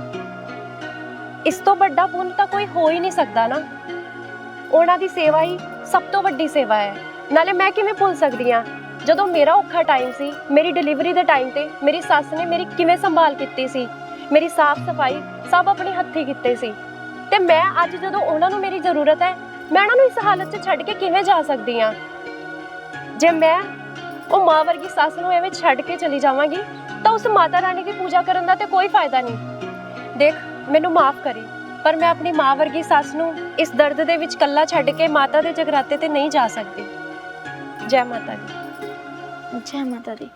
C: ਇਸ ਤੋਂ ਵੱਡਾ ਪੁੰਨ ਤਾਂ ਕੋਈ ਹੋ ਹੀ ਨਹੀਂ ਸਕਦਾ ਨਾ। ਉਹਨਾਂ ਦੀ ਸੇਵਾ ਹੀ ਸਭ ਤੋਂ ਵੱਡੀ ਸੇਵਾ ਹੈ। ਨਾਲੇ ਮੈਂ ਕਿਵੇਂ ਭੁੱਲ ਸਕਦੀ ਹਾਂ ਜਦੋਂ ਮੇਰਾ ਔਖਾ ਟਾਈਮ ਸੀ, ਮੇਰੀ ਡਿਲੀਵਰੀ ਦੇ ਟਾਈਮ ਤੇ ਮੇਰੀ ਸੱਸ ਨੇ ਮੇਰੀ ਕਿਵੇਂ ਸੰਭਾਲ ਕੀਤੀ ਸੀ, ਮੇਰੀ ਸਾਫ਼ ਸਫਾਈ ਸਭ ਆਪਣੇ ਹੱਥੀਂ ਕੀਤੇ ਸੀ। ਤੇ ਮੈਂ ਅੱਜ ਜਦੋਂ ਉਹਨਾਂ ਨੂੰ ਮੇਰੀ ਜ਼ਰੂਰਤ ਹੈ, ਮੈਂ ਉਹਨਾਂ ਨੂੰ ਇਸ ਹਾਲਤ 'ਚ ਛੱਡ ਕੇ ਕਿਵੇਂ ਜਾ ਸਕਦੀ ਹਾਂ? ਜੇ ਮੈਂ ਉਹ ਮਾਂ ਵਰਗੀ ਸੱਸ ਨੂੰ ਐਵੇਂ ਛੱਡ ਕੇ ਚਲੀ ਜਾਵਾਂਗੀ ਤਾਂ ਉਸ ਮਾਤਾ ਰਾਣੀ ਦੀ ਪੂਜਾ ਕਰਨ ਦਾ ਤੇ ਕੋਈ ਫਾਇਦਾ ਨਹੀਂ। ਦੇਖ, ਮੈਨੂੰ ਮਾਫ ਕਰੀ, ਪਰ ਮੈਂ ਆਪਣੀ ਮਾਂ ਵਰਗੀ ਸੱਸ ਨੂੰ ਇਸ ਦਰਦ ਦੇ ਵਿੱਚ ਇਕੱਲਾ ਛੱਡ ਕੇ ਮਾਤਾ ਦੇ ਜਗਰਾਤੇ ਤੇ ਨਹੀਂ ਜਾ ਸਕਦੀ। ਜੈ ਮਾਤਾ ਦੀ।
B: ਜੈ ਮਾਤਾ ਦੀ।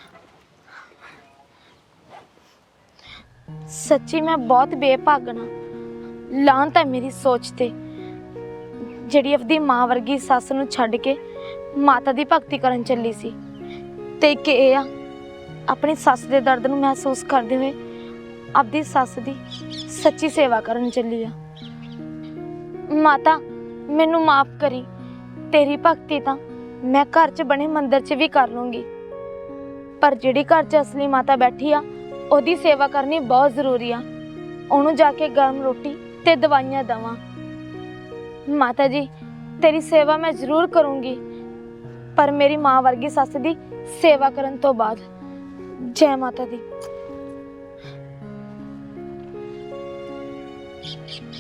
B: ਸੱਚੀ ਮੈਂ ਬਹੁਤ ਬੇਭਾਗਣਾ, ਲਾਂਤ ਹੈ ਮੇਰੀ ਸੋਚ ਤੇ, ਜਿਹੜੀ ਆਪਣੀ ਮਾਂ ਵਰਗੀ ਸੱਸ ਨੂੰ ਛੱਡ ਕੇ ਮਾਤਾ ਦੀ ਭਗਤੀ ਕਰਨ ਚੱਲੀ ਸੀ। ਤੇ ਇੱਕ ਇਹ ਆ, ਆਪਣੀ ਸੱਸ ਦੇ ਦਰਦ ਨੂੰ ਮਹਿਸੂਸ ਕਰਦੇ ਹੋਏ ਆਪਣੀ ਸੱਸ ਦੀ ਸੱਚੀ ਸੇਵਾ ਕਰਨ ਚੱਲੀ ਆ। ਮਾਤਾ ਮੈਨੂੰ ਮਾਫ ਕਰੀ, ਤੇਰੀ ਭਗਤੀ ਤਾਂ ਮੈਂ ਘਰ 'ਚ ਬਣੇ ਮੰਦਿਰ 'ਚ ਵੀ ਕਰ ਲੂੰਗੀ, ਪਰ ਜਿਹੜੀ ਘਰ 'ਚ ਅਸਲੀ ਮਾਤਾ ਬੈਠੀ ਆ ਉਹਦੀ ਸੇਵਾ ਕਰਨੀ ਬਹੁਤ ਜ਼ਰੂਰੀ ਆ। ਉਹਨੂੰ ਜਾ ਕੇ ਗਰਮ ਰੋਟੀ ਤੇ ਦਵਾਈਆਂ ਦੇਵਾਂ। ਮਾਤਾ ਜੀ ਤੇਰੀ ਸੇਵਾ ਮੈਂ ਜ਼ਰੂਰ ਕਰੂੰਗੀ, ਪਰ ਮੇਰੀ ਮਾਂ ਵਰਗੀ ਸੱਸ ਦੀ ਸੇਵਾ ਕਰਨ ਤੋਂ ਬਾਅਦ। ਜੈ ਮਾਤਾ ਦੀ।